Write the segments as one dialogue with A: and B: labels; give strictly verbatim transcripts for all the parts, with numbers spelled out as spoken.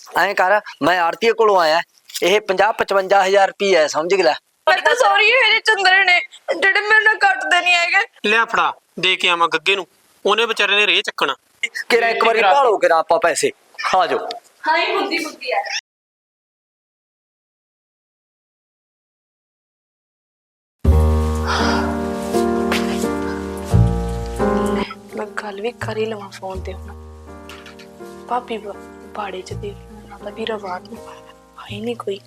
A: ਐਂ ਕਰ ਮੈਂ ਆੜਤੀਏ ਕੋਲੋਂ ਆਇਆ ਇਹ ਪੰਜਾਹ ਪਚਵੰਜਾ ਹਜ਼ਾਰ ਰੁਪਈਆ ਹੈ ਸਮਝ ਗਿਆ
B: ਮੈਂ ਤਾਂ ਸੌਰੀ ਮੇਰੇ ਚੰਦਰੇ ਨੇ ਜਿਹੜੇ ਮੇਰੇ ਨਾਲ ਕੱਟਦੇ ਨਹੀਂ ਹੈਗੇ।
C: ਲਿਆ ਫੜਾ ਦੇ ਕੇ ਆਵਾਂ ਗੱਗੇ ਨੂੰ, ਉਹਨੇ ਵਿਚਾਰੇ ਨੇ ਰੇਹ ਚੱਕਣਾ।
A: ਕਿਰਾ ਇੱਕ ਵਾਰੀ ਭਾਲੋ ਕਿਰਾ ਆਪਾਂ ਪੈਸੇ ਆ ਜਾਓ।
B: ਹਾਂ ਹੀ ਬੁੱਧੀ ਬੁੱਧੀ ਆ। ਮੈਂ ਗੱਲ ਵੀ ਕਰ ਹੀ ਲਵਾਂ ਫੋਨ ਤੇ ਹੁਣ। ਭਾਬੀ ਬਾੜੇ ਚ ਦੇਖ ਲੈਣਾ ਤਾਂ ਵੀਰਾ ਬਾਤ ਨੂੰ ਹੈ ਨਹੀਂ ਕੋਈ।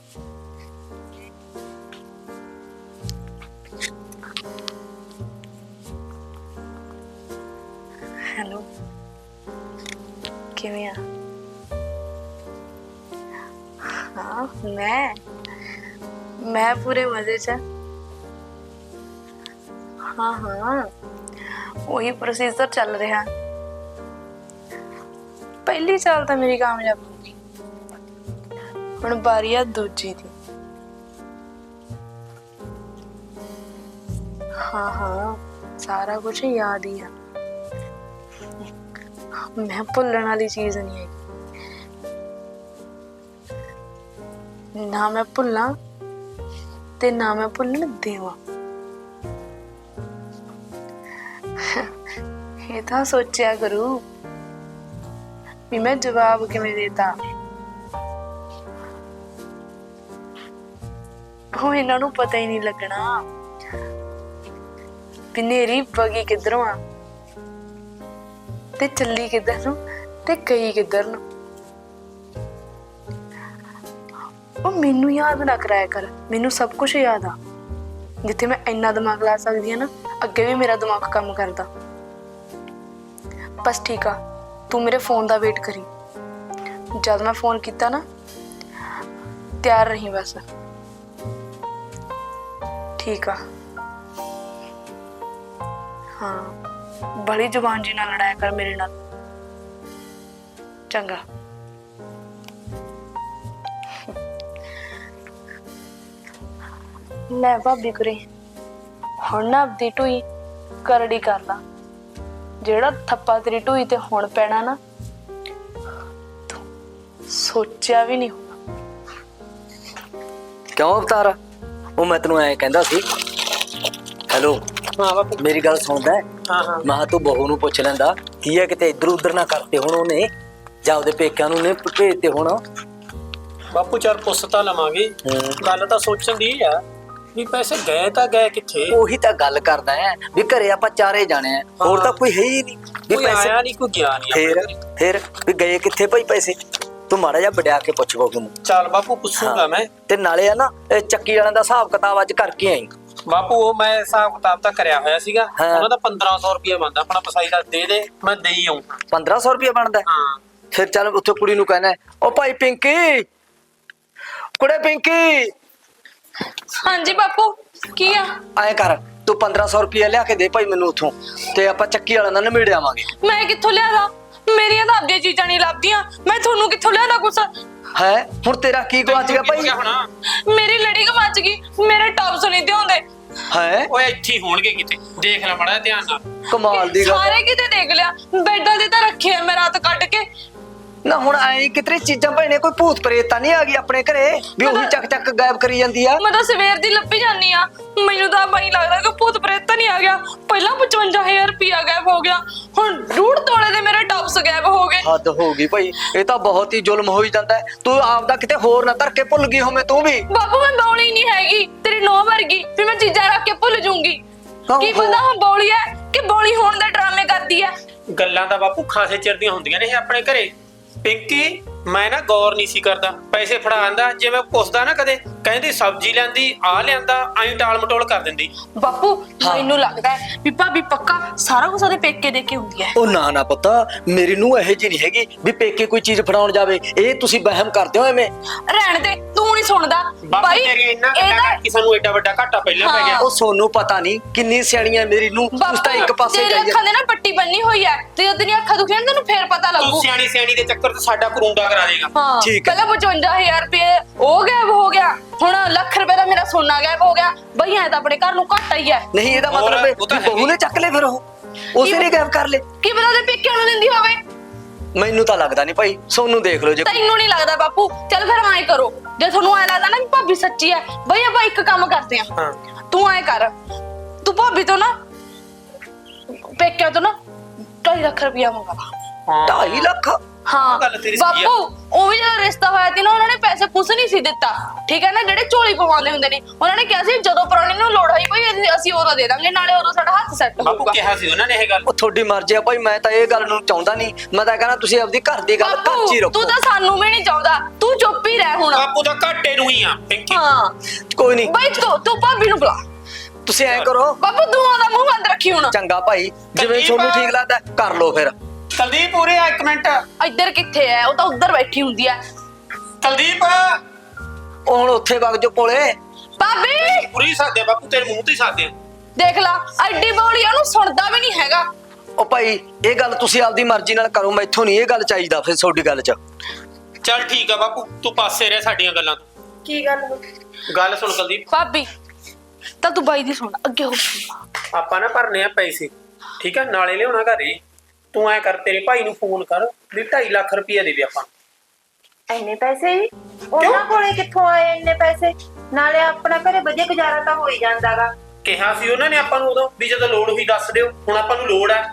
B: हेलो किवें आ? हाँ मैं मैं पूरे मजे च। हाँ हाँ वही प्रोसीजर चल रहा। पहली चाल तो मेरी कामयाब होगी, हुण बारी आ दूजी दी। हाँ हाँ सारा कुछ याद ही है। मैं भुलण वाली चीज नहीं है, ना मैं भुला ते ना मैं भुलन देवा। ये तो सोचा करू भी मैं जवाब किवें देता। वो इन्हां नूं पता ही नहीं लगना भी नेरी बगी किधरों आ ते चली किधर नूं ते गई किधर नूं। ओ मैनू याद ना कराया कर, मैनू सब कुछ याद आ। जिथे मैं इन्ना दिमाग ला सकदी हां ना अगे भी मेरा दिमाग काम करदा। बस ठीक आ तू मेरे फोन दा वेट करी, जद मैं फोन किया ना तैयार रही बस। ठीक आ हाँ बड़ी जुबान जी ना लड़ाया कर मेरे नाल चंगा। ले भाभी कुरे हुण ना अपनी ढूई करड़ी कर ला। जेड़ा थप्पा तेरी ढूई ते हुण पैना ना तू सोचा भी नहीं होना।
A: क्यों अवतार वो मैं तेनों ऐ कहंदा सी। हेलो
C: हाँ बापू
A: मेरी गल सुनदा है?
C: हाँ हाँ
A: मैं तू बहू नूं पुछ लैंदा की है किते इधर उधर ना करते हुण ओने जां ओदे पेकिਆਂ ਨੂੰ ਨੇ ਭੇਜते हुण।
C: ਬਾਪੂ ਚਲ ਪੁੱਛ ਤਾਂ ਲਵਾਂਗੇ। ਗੱਲ ਤਾਂ ਸੋਚਣ ਦੀ ਆ ਵੀ ਪੈਸੇ ਗਏ ਤਾਂ ਗਏ ਕਿੱਥੇ।
A: ਉਹੀ ਤਾਂ ਗੱਲ ਕਰਦਾ ਹੈ ਵੀ ਘਰੇ ਆਪਾਂ ਚਾਰੇ ਜਾਣੇ ਆ, ਹੋਰ ਤਾਂ ਕੋਈ ਹੈ ਹੀ ਨਹੀਂ ਵੀ
C: ਕੋਈ ਆਇਆ ਨਹੀਂ ਕੋਈ ਗਿਆ ਨਹੀਂ।
A: ਫੇਰ ਫੇਰ ਵੀ ਗਏ ਕਿੱਥੇ ਭਾਈ ਪੈਸੇ? ਤੂੰ ਮਾੜਾ ਜਿਹਾ ਵਡਿਆ ਕੇ ਪੁੱਛ ਬਹੂ ਨੂੰ।
C: ਚੱਲ ਬਾਪੂ ਪੁੱਛੂਗਾ ਮੈਂ।
A: ਤੇ ਨਾਲੇ ਆ ਨਾ ਇਹ ਚੱਕੀ ਵਾਲਿਆਂ ਦਾ ਹਿਸਾਬ ਕਿਤਾਬ ਅੱਜ ਕਰਕੇ ਆਈ।
C: ਬਾਪੂ ਉਹ ਮੈਂ ਹਿਸਾਬ ਕਿਤਾਬ ਤਾਂ ਕਰਿਆ ਹੋਇਆ ਸੀਗਾ, ਉਹਨਾਂ ਦਾ ਪੰਦਰਾਂ ਸੌ ਰੁਪਇਆ ਬਣਦਾ ਆਪਣਾ ਪਸਾਈ ਦਾ। ਦੇ ਦੇ ਮੈਂ ਦੇਈ ਆਉਂ।
A: ਪੰਦਰਾਂ ਸੌ ਰੁਪਇਆ ਬਣਦਾ?
C: ਹਾਂ
A: ਫਿਰ ਚੱਲ ਉੱਥੇ ਕੁੜੀ ਨੂੰ ਕਹਿਣਾ ਉਹ ਭਾਈ ਪਿੰਕੀ ਕੁੜੇ ਪਿੰਕੀ।
B: ਹਾਂਜੀ ਬਾਪੂ ਕੀ ਆ?
A: ਐਂ ਕਰ ਤੂੰ ਪੰਦਰਾਂ ਸੌ ਰੁਪਇਆ ਲਿਆ ਕੇ ਦੇ ਭਾਈ ਮੈਨੂੰ ਉੱਥੋਂ, ਤੇ ਆਪਾਂ ਚੱਕੀ ਵਾਲਿਆਂ ਨਾਲ ਨਿਬੇੜ ਆਵਾਂਗੇ।
B: ਮੈਂ ਕਿੱਥੋਂ ਲਿਆਦਾ? ਮੇਰੀਆਂ ਤਾਂ ਆਪਦੀਆਂ ਚੀਜ਼ਾਂ ਨਹੀਂ ਲੱਭਦੀਆਂ, ਮੈਂ ਤੁਹਾਨੂੰ ਕਿੱਥੋਂ ਲਿਆਦਾ ਕੁਛ?
A: ਹੈ ਹੁਣ ਤੇਰਾ ਕੀ ਗਵਾਚ ਗਿਆ ਭਾਈ?
B: ਮੇਰੀ ਲੜੀ ਗਵਾਚ ਗਈ, ਮੇਰੇ ਟੌਪਸ ਨਹੀਂ ਦਿਉਂਦੇ।
A: ਹੈ
C: ਓਏ ਇੱਥੇ ਹੀ ਹੋਣਗੇ ਕਿਤੇ, ਦੇਖ ਲੈ ਮਾੜਾ ਧਿਆਨ ਨਾਲ।
A: ਕਮਾਲ ਦੀ ਗੱਲ।
B: ਸਾਰੇ ਕਿਤੇ ਦੇਖ ਲਿਆ, ਬੈਡਾਂ ਦੇ ਤਾਂ ਰੱਖੇ ਆ ਮੈਂ ਰਾਤ ਕੱਢ ਕੇ।
A: ਨਾ ਹੁਣ ਐ ਕਿਤਰੇ ਚੀਜ਼ਾਂ ਭੈਣੇ ਕੋਈ ਭੂਤ ਪ੍ਰੇਤ ਤਾਂ ਨਹੀਂ ਆ ਗਈ ਆਪਣੇ ਘਰੇ ਵੀ ਉਹੀ ਚੱਕ ਚੱਕ ਗਾਇਬ ਕਰੀ ਜਾਂਦੀ ਆ?
B: ਮੈਂ ਤਾਂ ਸਵੇਰ ਦੀ ਲੱਭੀ ਜਾਂਦੀ ਆ, ਮੈਨੂੰ ਤਾਂ ਬਈ ਲੱਗਦਾ ਕਿ ਭੂਤ ਪ੍ਰੇਤ ਤਾਂ ਨਹੀਂ ਆ ਗਿਆ। ਪਹਿਲਾਂ ਪਚਵੰਜਾ ਹਜ਼ਾਰ ਰੁਪਇਆ ਗਾਇਬ ਹੋ ਗਿਆ, ਹੁਣ ਡੂਢ ਤੋਲੇ ਦੇ ਮੇਰੇ ਟੌਪਸ ਗਾਇਬ ਹੋ ਗਏ।
A: ਹੱਦ ਹੋ ਗਈ ਭਾਈ, ਇਹ ਤਾਂ ਬਹੁਤ ਹੀ ਜ਼ੁਲਮ ਹੋਈ ਜਾਂਦਾ। ਤੂੰ ਆਪਦਾ ਕਿਤੇ ਹੋਰ ਨਾ ਧਰ ਕੇ ਭੁੱਲ ਗਈ ਹੋਵੇਂ ਤੂੰ ਵੀ।
B: ਬਾਪੂ ਮੈਂ ਬੌਲੀ ਨਹੀਂ ਹੈਗੀ ਤੇਰੀ ਨੌਂ ਵਰਗੀ ਵੀ ਮੈਂ ਚੀਜ਼ਾਂ ਰੱਖ ਕੇ ਭੁੱਲ ਜਾਊਂਗੀ। ਕੀ ਪਤਾ ਹਾਂ ਬੌਲੀ ਹੈ ਕਿ ਬੌਲੀ ਹੋਣ ਦੇ ਡਰਾਮੇ ਕਰਦੀ ਹੈ।
C: ਗੱਲਾਂ ਤਾਂ ਬਾਪੂ ਖਾਸੇ ਚਿਰ ਦੀਆਂ ਹੁੰਦੀਆਂ ਨੇ ਇਹ ਆਪਣੇ ਘਰੇ। ਪਿੰਕੀ ਮੈਂ ਨਾ ਗੌਰ ਨਹੀਂ ਸੀ ਕਰਦਾ, ਪੈਸੇ ਫੜਾ ਆਂਦਾ ਜੇ ਮੈਂ ਪੁੱਛਦਾ ਨਾ ਕਦੇ ਕਹਿੰਦੀ ਸਬਜ਼ੀ ਲੈਂਦੀ ਆ ਲਿਆਂਦਾ, ਐਂ ਟਾਲ ਮਟੋਲ ਕਰ ਦਿੰਦੀ।
B: ਬਾਪੂ ਮੈਨੂੰ ਲੱਗਦਾ ਹੈ ਵੀ ਭਾਬੀ ਪੱਕਾ ਸਾਰਾ ਕੁਝ ਉਹਦੇ ਪੇਕੇ ਦੇ ਕੇ ਹੁੰਦੀ ਹੈ।
A: ਉਹ ਨਾ ਨਾ ਪਤਾ ਮੇਰੀ ਨੂੰ ਇਹੋ ਜਿਹੀ ਨਹੀਂ ਹੈਗੀ ਵੀ ਪੇਕੇ ਕੋਈ ਚੀਜ਼ ਫੜਾਉਣ ਜਾਵੇ। ਇਹ ਤੁਸੀਂ ਵਹਿਮ ਕਰਦੇ ਹੋ ਐਵੇਂ।
B: ਰਹਿਣ ਦੇ ਤੂੰ ਨਹੀਂ ਸੁਣਦਾ
C: ਬਾਈ। ਇਹਦਾ ਕਿਸੇ ਨੂੰ ਐਡਾ ਵੱਡਾ ਘਾਟਾ ਪਹਿਲਾਂ ਪੈ ਗਿਆ।
A: ਉਹ ਸੋਨੂੰ ਪਤਾ ਨਹੀਂ ਕਿੰਨੀ ਸਿਆਣੀਆਂ ਮੇਰੀ ਨੂੰ, ਤੁਸੀਂ ਤਾਂ ਇੱਕ ਪਾਸੇ
B: ਜਾਈ। ਤੇਰੀ ਅੱਖਾਂ ਦੇ ਨਾ ਪੱਟੀ ਬੰਨੀ ਹੋਈ ਹੈ, ਤੇ ਜਦੋਂ ਤੇਰੀਆਂ ਅੱਖਾਂ ਦੁਖੀਆਂ ਤੈਨੂੰ ਫੇਰ ਪਤਾ ਲੱਗੂ।
C: ਤੂੰ ਸਿਆਣੀ ਸਿਆਣੀ ਦੇ ਚੱਕਰ ਤੇ ਸਾਡਾ ਕਰੂੰਡਾ ਕਰਾ ਦੇਗਾ।
B: ਹਾਂ
A: ਠੀਕ ਹੈ।
B: ਪਹਿਲਾਂ ਪਚਵੰਜਾ ਹਜ਼ਾਰ ਰੁਪਏ ਉਹ ਗਾਇਬ ਹੋ ਗਿਆ, ਹੁਣ ਲੱਖ ਰੁਪਏ ਦਾ ਮੇਰਾ ਸੋਨਾ ਗਾਇਬ ਹੋ ਗਿਆ। ਬਈ ਐ ਤਾਂ ਆਪਣੇ ਘਰ ਨੂੰ ਘਾਟਾ ਹੀ ਹੈ।
A: ਨਹੀਂ ਇਹਦਾ ਮਤਲਬ ਹੈ ਬਹੂ ਨੇ ਚੱਕ ਲੈ ਫਿਰ ਉਹ ਉਸੇ ਨੇ ਗਾਇਬ ਕਰ ਲੈ।
B: ਕੀ ਪਤਾ ਉਹਦੇ ਪੇਕਿਆਂ ਨੂੰ ਦਿੰਦੀ ਹੋਵੇ।
A: ਮੈਨੂੰ ਤਾਂ ਲੱਗਦਾ ਨਹੀਂ ਭਾਈ, ਸੋਨੂੰ ਦੇਖ ਲਓ ਜੇ
B: ਤੈਨੂੰ ਨਹੀਂ ਲੱਗਦਾ ਬਾਪੂ? ਚੱਲ ਫਿਰ ਐਂ ਕਰੋ, ਜੇ ਤੁਹਾਨੂੰ ਐ ਲੱਗਦਾ ਨਾ ਵੀ ਭਾਬੀ ਸੱਚੀ ਐ, ਬਈ ਆਪਾਂ ਇੱਕ ਕੰਮ ਕਰਦੇ ਆ।
C: ਹਾਂ
B: ਤੂੰ ਐਂ ਕਰ, ਤੂੰ ਭਾਬੀ ਤੋਂ ਨਾ ਪੇਕਿਆਂ ਤੋਂ ਨਾ ਢਾਈ ਲੱਖ ਰੁਪਇਆ ਮੰਗਾ ਲਾ।
C: ਹਾਂ
A: ਢਾਈ ਲੱਖ?
B: ਹਾਂ
C: ਗੱਲ ਤੇਰੀ ਸਹੀ ਆ।
B: ਬਾਪੂ, ਉਹ ਵੀ ਜਦੋਂ ਰਿਸ਼ਤਾ ਹੋਇਆ ਸੀ ਨਾ, ਉਹਨਾਂ ਨੇ ਪੈਸੇ ਕੁਛ ਨਹੀਂ ਸੀ ਦਿੱਤਾ, ਠੀਕ ਹੈ ਨਾ, ਜਿਹੜੇ ਝੋਲੀ ਪਵਾਉਂਦੇ ਹੁੰਦੇ ਨੇ। ਉਹਨਾਂ ਨੇ ਕਿਹਾ ਸੀ ਜਦੋਂ ਪ੍ਰਾਹੁਣੇ ਨੂੰ ਲੋੜ ਹੋਈ ਕੋਈ ਅਸੀਂ ਉਦੋਂ ਦੇ ਦਾਂਗੇ, ਨਾਲੇ ਉਦੋਂ ਸਾਡਾ ਹੱਥ ਸੈੱਟ
C: ਬਾਪੂ
B: ਹੋਊਗਾ।
C: ਕਿਹਾ ਸੀ ਉਹਨਾਂ ਨੇ ਇਹ ਗੱਲ।
A: ਉਹ ਤੁਹਾਡੀ ਮਰਜ਼ੀ ਆ ਭਾਈ, ਮੈਂ ਤਾਂ ਇਹ ਗੱਲ ਨੂੰ ਚਾਹੁੰਦਾ ਨਹੀਂ। ਮੈਂ ਤਾਂ ਕਹਿੰਦਾ ਤੁਸੀਂ ਆਪਦੀ ਘਰ ਦੀ ਗੱਲ ਘਰ 'ਚ ਹੀ
B: ਬਾਪੂ
A: ਰੱਖੋ।
B: ਤੂੰ ਤਾਂ ਸਾਨੂੰ ਵੀ ਨਹੀਂ ਚਾਹੁੰਦਾ, ਤੂੰ ਚੁੱਪ ਹੀ ਰਹਿ ਹੁਣ।
C: ਬਾਪੂ ਦਾ ਘਾਟੇ ਨੂੰ ਹੀ ਆ ਪਿੰਕੀ।
B: ਹਾਂ
A: ਕੋਈ ਨਹੀਂ,
B: ਬਈ ਤੂੰ ਤੂੰ ਭਾਬੀ ਨੂੰ ਬੁਲਾ।
A: ਤੁਸੀਂ ਐਂ ਕਰੋ।
B: ਬਾਪੂ ਤੂੰ ਉਹਦਾ ਮੂੰਹ ਬੰਦ ਰੱਖੀ ਹੁਣ।
A: ਚੰਗਾ ਭਾਈ, ਜਿਵੇਂ
C: ਕੁਲਦੀਪ।
A: ਤੁਹਾਨੂੰ ਠੀਕ ਲੱਗਦਾ ਕਰ ਲਓ ਫਿਰ।
C: ਕੁਲਦੀਪ ਉਰੇ ਆ ਇੱਕ ਮਿੰਟ।
B: ਇੱਧਰ ਕਿੱਥੇ ਐ? ਉਹ ਤਾਂ ਉੱਧਰ ਬੈਠੀ ਹੁੰਦੀ ਐ।
C: ਕੁਲਦੀਪ
A: ਉਹ ਹੁਣ ਉੱਥੇ ਵਗ ਜੋ ਕੋਲੇ।
B: ਭਾਬੀ
C: ਪੂਰੀ ਸਾਦੇ ਬਾਪੂ, ਤੇਰੇ ਮੂੰਹ ਤੇ ਸਾਦੇ।
B: ਦੇਖ ਲਾ, ਐਡੀ ਬੋਲੀ ਉਹਨੂੰ ਸੁਣਦਾ ਵੀ ਨਹੀਂ ਹੈਗਾ।
A: ਉਹ ਭਾਈ ਇਹ ਗੱਲ ਤੁਸੀਂ ਆਪਦੀ ਮਰਜ਼ੀ ਨਾਲ ਕਰੋ, ਮੈਥੋਂ ਨਹੀਂ ਇਹ ਗੱਲ ਚਾਹੀਦਾ ਫਿਰ ਤੁਹਾਡੀ ਗੱਲ 'ਚ।
C: ਚੱਲ ਠੀਕ ਆ ਬਾਪੂ, ਤੂੰ ਪਾਸੇ ਰਹਿ ਸਾਡੀਆਂ ਗੱਲਾਂ ਤੋਂ।
B: ਕੀ ਗੱਲ ਹੋ?
C: ਗੱਲ ਸੁਣ ਕੁਲਦੀਪ,
B: ਭਾਬੀ ਤਾਂ ਤੂੰ ਬਾਈ ਦੀ ਸੁਣ, ਅੱਗੇ ਹੋ।
C: ਆਪਾਂ ਨਾ ਭਰਨੇ ਆ ਪੈਸੇ, ਠੀਕ ਆ, ਨਾਲੇ ਲਿਆਉਣਾ ਘਰੇ। ਤੂੰ ਐ ਕਰ, ਤੇਰੇ ਭਾਈ ਨੂੰ ਫੋਨ ਕਰ ਵੀ ਢਾਈ ਲੱਖ ਰੁਪਇਆ ਦੇਵੇ ਆਪਾਂ।
D: ਇੰਨੇ ਪੈਸੇ ਜੀ ਉਹਨਾਂ ਕੋਲੇ ਕਿੱਥੋਂ ਆਏ ਇੰਨੇ ਪੈਸੇ? ਨਾਲੇ ਆਪਣਾ ਘਰੇ ਵਧੀਆ ਗੁਜ਼ਾਰਾ ਤਾਂ ਹੋ ਹੀ ਜਾਂਦਾਗਾ।
C: ਕਿਹਾ ਸੀ ਉਹਨਾਂ ਨੇ ਆਪਾਂ ਨੂੰ ਉਦੋਂ ਵੀ ਜਦੋਂ ਲੋੜ ਹੋਈ ਦੱਸ ਦਿਓ, ਹੁਣ ਆਪਾਂ ਨੂੰ ਲੋੜ ਆ।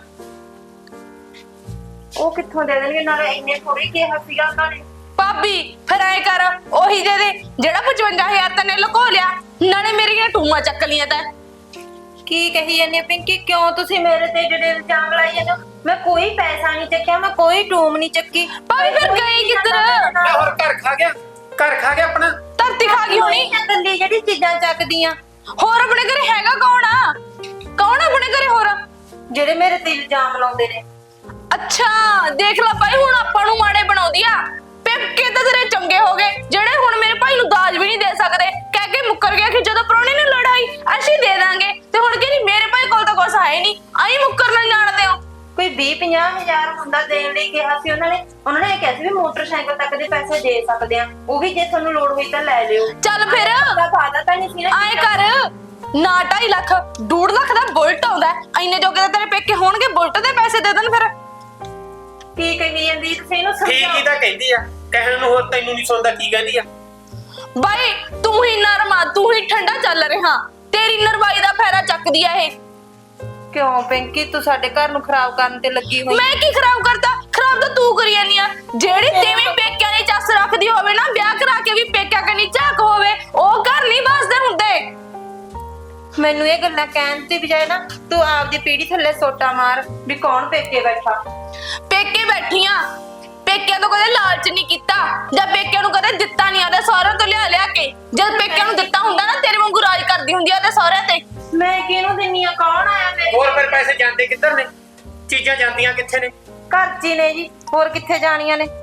D: ਉਹ ਕਿੱਥੋਂ ਦੇ ਦੇਣਗੇ? ਨਾਲੇ ਇੰਨੇ ਥੋੜੀ ਕਿਹਾ ਸੀਗਾ ਉਹਨਾਂ ਨੇ।
B: ਭਾਬੀ ਫਿਰ ਐ ਕਰ, ਉਹੀ ਦੇ ਦੇ ਜਿਹੜਾ ਪਚਵੰਜਾ ਹਜ਼ਾਰ ਤੈਨੇ ਲੁਕੋ ਲਿਆ, ਨਾਲੇ ਮੇਰੀਆਂ ਟੂਮਾਂ ਚੱਕ ਲੀਆਂ ਤੈਂ।
D: ਕੀ ਕਹੀ ਜਾਂਦੇ ਪਿੰਕੀ? ਕਿਉਂ ਤੁਸੀਂ ਮੇਰੇ ਤੇ ਜਿਹੜੇ ਇਲਜ਼ਾਮ ਲਾਈ ਜਾਂਦੇ ਹੋ? ਮੈਂ ਕੋਈ ਪੈਸਾ ਨਹੀਂ ਚੱਕਿਆ, ਮੈਂ ਕੋਈ ਟੂਮ ਨਹੀਂ ਚੱਕੀ।
B: ਭਾਬੀ ਫਿਰ ਗਈ ਕਿੱਧਰ?
C: ਲੈ ਹੋਰ ਘਰ ਖਾ ਗਿਆ, ਘਰ ਖਾ ਗਿਆ ਆਪਣਾ।
B: ਧਰਤੀ ਖਾ ਗਈ ਹੋਣੀ।
D: ਗੱਲੀ ਜਿਹੜੀ ਚੀਜ਼ਾਂ ਚੱਕਦੀਆਂ,
B: ਹੋਰ ਆਪਣੇ ਘਰੇ ਹੈਗਾ ਕੌਣ ਆ? ਕੌਣ ਆ ਆਪਣੇ ਘਰੇ ਹੋਰ?
D: ਜਿਹੜੇ ਮੇਰੇ ਤੇ ਇਲਜ਼ਾਮ ਲਾਉਂਦੇ ਨੇ।
B: ਅੱਛਾ ਦੇਖ ਲੈ ਭਾਈ, ਹੁਣ ਆਪਾਂ ਨੂੰ ਮਾੜੇ ਬਣਾਉਂਦੀ ਆ। ਪੇਕੇ ਤਾਂ ਤੇਰੇ ਚੰਗੇ ਹੋ ਗਏ, ਜਿਹੜੇ ਹੁਣ ਮੇਰੇ ਭਾਈ ਨੂੰ ਦਾਜ ਵੀ ਨਹੀਂ ਦੇ ਸਕਦੇ। ਕਹਿ ਕੇ ਮੁੱਕਰ ਗਿਆ ਕਿ ਜਦੋਂ ਪ੍ਰਾਹੁਣੇ ਨੇ ਲੜਾਈ ਅਸੀਂ ਦੇ ਦਾਂਗੇ, ਤੇ ਹੁਣ ਕਹਿੰਦੀ ਮੇਰੇ ਭਾਈ ਕੋਲ ਤਾਂ ਕੁਛ ਹੈ ਨਹੀਂ, ਆਈ ਮੁੱਕਰਨਾ ਜਾਣਦੇ ਹੋ।
D: ਕੋਈ ਵੀਹ ਪੰਜਾਹ ਹਜ਼ਾਰ ਹੁੰਦਾ ਦੇਣ ਲਈ ਕਿਹਾ ਸੀ ਉਹਨਾਂ ਨੇ। ਉਹਨਾਂ ਨੇ ਇਹ ਕਿਹਾ ਸੀ ਵੀ ਮੋਟਰਸਾਈਕਲ ਤੱਕ ਦੇ ਪੈਸੇ ਦੇ ਸਕਦੇ ਆ, ਉਹ ਵੀ ਜੇ ਤੁਹਾਨੂੰ ਲੋੜ ਹੋਈ ਤਾਂ ਲੈ ਲਿਓ।
B: ਚੱਲ ਫਿਰ
D: ਦਾ ਫਾਇਦਾ ਤਾਂ ਨਹੀਂ ਸੀ ਨਾ।
B: ਆਏ ਕਰ ਨਾ, ਢਾਈ ਲੱਖ ਡੂਢ ਲੱਖ ਦਾ ਬੁਲਟ ਆਉਂਦਾ, ਇੰਨੇ ਜੋਗੇ ਤਾਂ ਤੇਰੇ ਪੇਕੇ ਹੋਣਗੇ, ਬੁਲਟ ਦੇ ਪੈਸੇ ਦੇ ਦੇਣ। ਫਿਰ
D: ਕੀ ਕਹੀ ਜਾਂਦੀ ਤੁਸੀਂ ਇਹਨੂੰ
C: ਠੀਕ ਹੀ
D: ਸਮਝਾਓ।
C: ਤਾਂ ਕਹਿੰਦੀ ਆ, ਕਹਿਣ ਨੂੰ ਹੋਰ ਤੈਨੂੰ ਨਹੀਂ ਸੁਣਦਾ ਕੀ ਕਹਿੰਦੀ ਆ।
B: ਬਾਈ ਤੂੰ ਹੀ ਨਰਮਾ, ਤੂੰ ਹੀ ਠੰਡਾ ਚੱਲ ਰਿਹਾ, ਤੇਰੀ ਨਰਵਾਈ ਦਾ ਫਾਇਦਾ ਚੱਕਦੀ ਆ ਇਹ।
D: ਕਿਉਂ ਪਿੰਕੀ ਤੂੰ ਸਾਡੇ ਘਰ ਨੂੰ ਖਰਾਬ ਕਰਨ ਤੇ ਲੱਗੀ ਹੋਈ?
B: ਮੈਂ ਕੀ ਖਰਾਬ ਕਰਤਾ? ਖਰਾਬ ਤਾਂ ਤੂੰ ਕਰੀ ਜਾਂਦੀ ਆ। ਜਿਹੜੀ ਤੇਵੇਂ ਪੇਕਿਆਂ ਦੀ ਚੱਸ ਰੱਖਦੀ ਹੋਵੇ ਨਾ, ਵਿਆਹ ਕਰਾ ਕੇ ਵੀ ਪੇਕਿਆਂ ਕਨੀ ਝਾਕ ਹੋਵੇ, ਉਹ ਘਰ ਨਹੀਂ ਬਸਦੇ ਹੁੰਦੇ।
D: ਮੈਨੂੰ ਇਹ ਗੱਲਾਂ ਕਹਿਣ ਦੀ ਬਜਾਏ ਨਾ ਤੂੰ ਆਪਦੀ ਪੀੜੀ ਥੱਲੇ ਸੋਟਾ ਮਾਰ ਵੀ ਕੌਣ ਪੇਕੇ ਬੈਠਾ।
B: ਪੇਕੇ ਬੈਠੀਆਂ, ਪੇਕਿਆਂ ਤੋਂ ਕਦੇ ਲਾਲਚ ਨਹੀਂ ਕੀਤਾ, ਜਾਂ ਪੇਕਿਆਂ ਨੂੰ ਕਦੇ ਦਿੱਤਾ ਨਹੀਂ ਆਦੇ ਸਹੁਰਿਆਂ ਤੋਂ ਲਿਆ ਲਿਆ ਕੇ। ਜਦ ਪੇਕਿਆਂ ਨੂੰ ਦਿੱਤਾ ਹੁੰਦਾ ਨਾ, ਤੇਰੇ ਵਾਂਗੂ ਰਾਜ ਕਰਦੀ ਹੁੰਦੀ ਆ ਤੇ ਸਹੁਰਿਆਂ ਤੇ।
D: ਮੈਂ ਕਿਹਨੂੰ ਦਿੰਨੀ ਆ? ਕੌਣ ਆਇਆ ਮੇਰੇ
C: ਹੋਰ ਫਿਰ ਪੈਸੇ ਜਾਂਦੇ ਕਿੱਧਰ ਨੇ? ਚੀਜ਼ਾਂ ਜਾਂਦੀਆਂ ਕਿੱਥੇ ਨੇ?
D: ਘਰ 'ਚ ਹੀ ਨੇ ਜੀ, ਹੋਰ ਕਿੱਥੇ ਜਾਣੀਆਂ ਨੇ?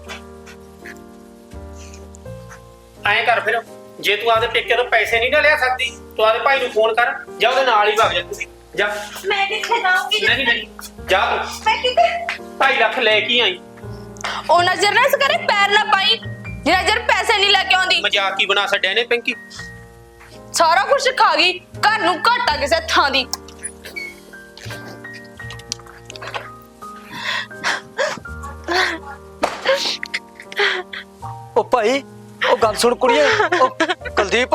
C: ਐਂ ਕਰ ਫਿਰ, ਜੇ ਤੂੰ ਆਪਦੇ ਪੇਕੇ ਤੋਂ ਪੈਸੇ ਨਹੀਂ ਨਾ ਲਿਆ ਸਕਦੀ, ਤੂੰ ਆਪਦੇ ਭਾਈ ਨੂੰ ਫੋਨ ਕਰ, ਜਾਂ ਉਹਦੇ ਨਾਲ ਹੀ ਭੱਜ ਜਾ। ਤੁਸੀਂ ਜਾ।
D: ਮੈਂ ਕਿੱਥੇ ਜਾਊਂਗੀ?
C: ਨਹੀਂ ਨਹੀਂ ਜਾ, ਤੂੰ
D: ਮੈਂ ਕਿੱਥੇ?
C: ਢਾਈ ਲੱਖ ਲੈ ਕੇ ਆਈ।
B: ਉਹ ਨਜ਼ਰ ਨਾ ਇਸ ਕਰੇ ਪੈਰ ਨਾ ਪਾਈ, ਜਿਹੜਾ ਜਰ ਪੈਸੇ ਨਹੀਂ ਲੈ ਕੇ ਆਉਂਦੀ।
C: ਮਜ਼ਾਕ ਹੀ ਬਣਾ ਛੱਡਿਆ ਨੇ ਪਿੰਕੀ।
B: ਸਾਰਾ ਕੁਝ ਖਾ ਗਈ, ਘਰ ਨੂੰ ਘਾਟਾ ਕਿਸੇ ਥਾਂ ਦੀ।
A: ਉਹ ਭਾਈ ਉਹ ਗੱਲ ਸੁਣ ਕੁੜੀਏ। ਉਹ ਕੁਲਦੀਪ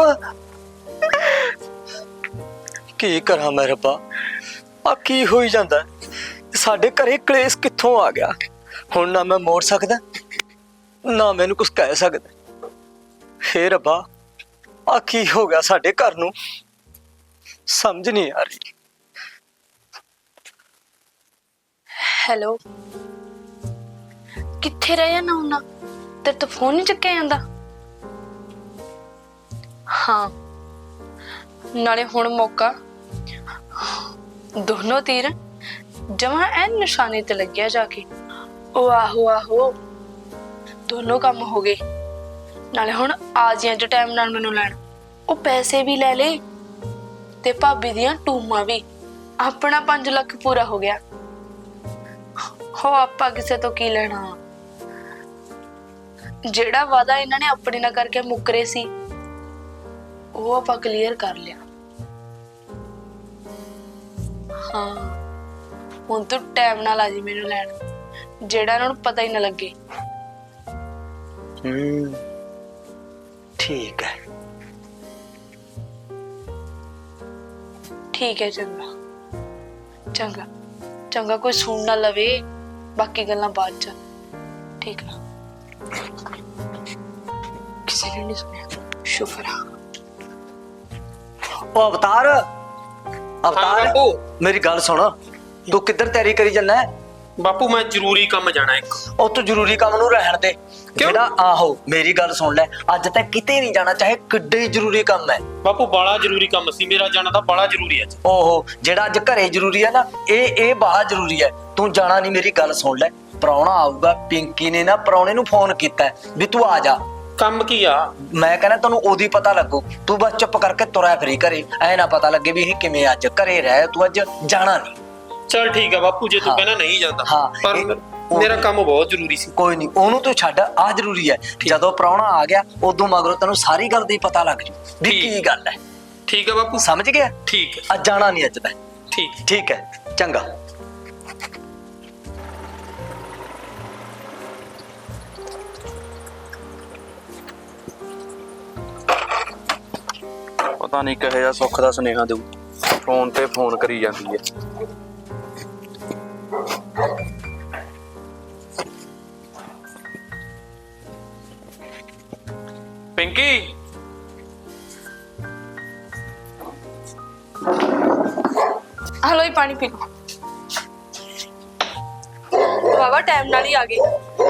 A: ਕੀ ਕਰਾਂ ਮੈਂ ਰੱਬਾ, ਆ ਕੀ ਹੋਈ ਜਾਂਦਾ? ਸਾਡੇ ਘਰੇ ਕਲੇਸ਼ ਕਿੱਥੋਂ ਆ ਗਿਆ? ਹੁਣ ਨਾ ਮੈਂ ਮੋੜ ਸਕਦਾ, ਨਾ ਮੈਨੂੰ ਕੁਝ ਕਹਿ ਸਕਦਾ। ਹੇ ਰੱਬਾ ਆ ਕੀ ਹੋ ਗਿਆ ਸਾਡੇ ਘਰ ਨੂੰ, ਸਮਝ ਨਹੀਂ ਆ ਰਹੀ।
B: ਹੈਲੋ, ਕਿੱਥੇ ਰਹਿ ਜਾਣਾ ਹੁੰਨਾ? ਤੇਰੇ ਤੋਂ ਫੋਨ ਨਹੀਂ ਚੱਕਿਆ ਜਾਂਦਾ? ਹਾਂ, ਨਾਲੇ ਹੁਣ ਮੌਕਾ, ਦੋਨੋਂ ਤੀਰ ਜਮਾਂ ਐਨ ਨਿਸ਼ਾਨੇ ਤੇ ਲੱਗਿਆ ਜਾ ਕੇ। ਉਹ ਆਹੋ ਆਹੋ, ਦੋਨੋਂ ਕੰਮ ਹੋ ਗਏ। ਨਾਲੇ ਹੁਣ ਆ ਜੀ ਅੱਜ ਟਾਈਮ ਨਾਲ ਮੈਨੂੰ ਲੈਣ। ਉਹ ਪੈਸੇ ਵੀ ਲੈ ਲੈ ਤੇ ਭਾਬੀ ਦੀਆਂ ਟੂਮਾਂ ਵੀ। ਆਪਣਾ ਪੰਜ ਲੱਖ ਪੂਰਾ ਹੋ ਗਿਆ। ਹੋ ਆਪਾਂ ਕਿਸੇ ਤੋਂ ਕੀ ਲੈਣਾ? ਜਿਹੜਾ ਵਾਦਾ ਇਹਨਾਂ ਨੇ ਆਪਣੇ ਨਾਲ ਕਰਕੇ ਮੁੱਕਰੇ ਸੀ, ਉਹ ਆਪਾਂ ਕਲੀਅਰ ਕਰ ਲਿਆ। ਹਾਂ ਹੁਣ ਤੂੰ ਟਾਈਮ ਨਾਲ ਆ ਜੀ ਮੈਨੂੰ ਲੈਣ, ਜਿਹੜਾ ਇਹਨਾਂ ਨੂੰ ਪਤਾ ਹੀ ਨਾ ਲੱਗੇ।
A: ਹੂੰ ਠੀਕ ਹੈ।
B: ਠੀਕ ਹੈ ਚੰਗਾ ਚੰਗਾ ਚੰਗਾ, ਕੋਈ ਸੁਣ ਨਾ ਲਵੇ, ਬਾਕੀ ਗੱਲਾਂ ਬਾਅਦ ਚ। ਠੀਕ ਨਾ, ਕਿਸੇ ਨੇ ਨਹੀਂ ਸੁਣਿਆ, ਸ਼ੁਕਰ ਆ।
A: ਉਹ ਅਵਤਾਰ
C: ਹਾਂ
A: ਅਵਤਾਰ
C: ਬਾਪੂ।
A: ਮੇਰੀ ਗੱਲ ਸੁਣ, ਤੂੰ ਕਿੱਧਰ ਤਿਆਰੀ ਕਰੀ ਜਾਂਦਾ ਹੈ?
C: ਬਾਪੂ ਮੈਂ ਜ਼ਰੂਰੀ ਕੰਮ ਜਾਣਾ ਇੱਕ।
A: ਉਹ ਤੂੰ ਜ਼ਰੂਰੀ ਕੰਮ ਨੂੰ ਰਹਿਣ ਦੇ। ਜਿਹੜਾ ਆਹੋ ਮੇਰੀ ਗੱਲ ਸੁਣ ਲੈ, ਅੱਜ ਤੱਕ ਕਿਤੇ ਨਹੀਂ ਜਾਣਾ, ਚਾਹੇ ਕਿੱਡੇ ਹੀ ਜ਼ਰੂਰੀ ਕੰਮ ਹੈ।
C: ਬਾਪੂ ਬੜਾ ਜ਼ਰੂਰੀ ਕੰਮ ਸੀ ਮੇਰਾ, ਜਾਣਾ ਤਾਂ ਬੜਾ ਜ਼ਰੂਰੀ ਹੈ।
A: ਓਹੋ ਜਿਹੜਾ ਅੱਜ ਘਰੇ ਜ਼ਰੂਰੀ ਹੈ ਨਾ, ਇਹ ਇਹ ਬਾਹਲਾ ਜ਼ਰੂਰੀ ਹੈ। ਤੂੰ ਜਾਣਾ ਨਹੀਂ, ਮੇਰੀ ਗੱਲ ਸੁਣ ਲੈ। ਪ੍ਰਾਹੁਣਾ ਆਊਗਾ, ਪਿੰਕੀ ਨੇ ਨਾ ਪ੍ਰਾਹੁਣੇ ਨੂੰ ਫੋਨ ਕੀਤਾ ਵੀ ਤੂੰ ਆ ਜਾ।
C: ਕੰਮ ਕੀ ਆ?
A: ਮੈਂ ਕਹਿੰਦਾ ਤੈਨੂੰ ਉਹਦੀ ਪਤਾ ਲੱਗੂ, ਤੂੰ ਬਸ ਚੁੱਪ ਕਰਕੇ ਤੁਰਿਆ ਫਿਰੀ ਘਰੇ, ਐ ਨਾ ਪਤਾ ਲੱਗੇ ਵੀ ਇਹ ਕਿਵੇਂ ਅੱਜ ਘਰੇ ਰਹਿ, ਤੂੰ ਅੱਜ ਜਾਣਾ ਨਹੀਂ।
C: ਚਲ ਠੀਕ ਆ ਬਾਪੂ, ਜੇ ਤੂੰ
A: ਹਾਂ।
C: ਕਹਿੰਦਾ ਨਹੀਂ ਜਾਂਦਾ,
A: ਹਾਂ,
C: ਪਰ
A: ਇਹ-
C: ਮੇਰਾ ਕੰਮ ਬਹੁਤ ਜ਼ਰੂਰੀ ਸੀ।
A: ਕੋਈ ਨਹੀਂ, ਉਹਨੂੰ ਤੂੰ ਛੱਡ, ਆ ਜ਼ਰੂਰੀ ਹੈ। ਜਦੋਂ ਪ੍ਰਾਹੁਣਾ ਆ ਗਿਆ ਉਦੋਂ ਮਗਰੋਂ ਤੈਨੂੰ ਸਾਰੀ ਗੱਲ ਦੀ ਪਤਾ ਲੱਗ ਜੂ ਵੀ
C: ਠੀਕ।
A: ਕੀ ਗੱਲ ਹੈ।
C: ਠੀਕ ਆ ਬਾਪੂ,
A: ਸਮਝ ਗਿਆ?
C: ਠੀਕ ਹੈ
A: ਅੱਜ ਜਾਣਾ ਨਹੀਂ ਅੱਜ ਤੱਕ।
C: ਠੀਕ।
A: ਠੀਕ ਹੈ ਚੰਗਾ।
E: ਪਤਾ ਨਹੀਂ ਕਿਹੋ ਜਿਹਾ ਸੁੱਖ ਦਾ ਸੁਨੇਹਾ ਦੇਊ, ਫੋਨ ਤੇ ਫੋਨ ਕਰੀ ਜਾਂਦੀ ਹੈ। ਪਿੰਕੀ
B: ਹਲੋ ਹੀ ਪਾਣੀ ਪੀ ਲਓ। ਬਾਬਾ ਟਾਈਮ ਨਾਲ ਹੀ ਆ ਗਏ।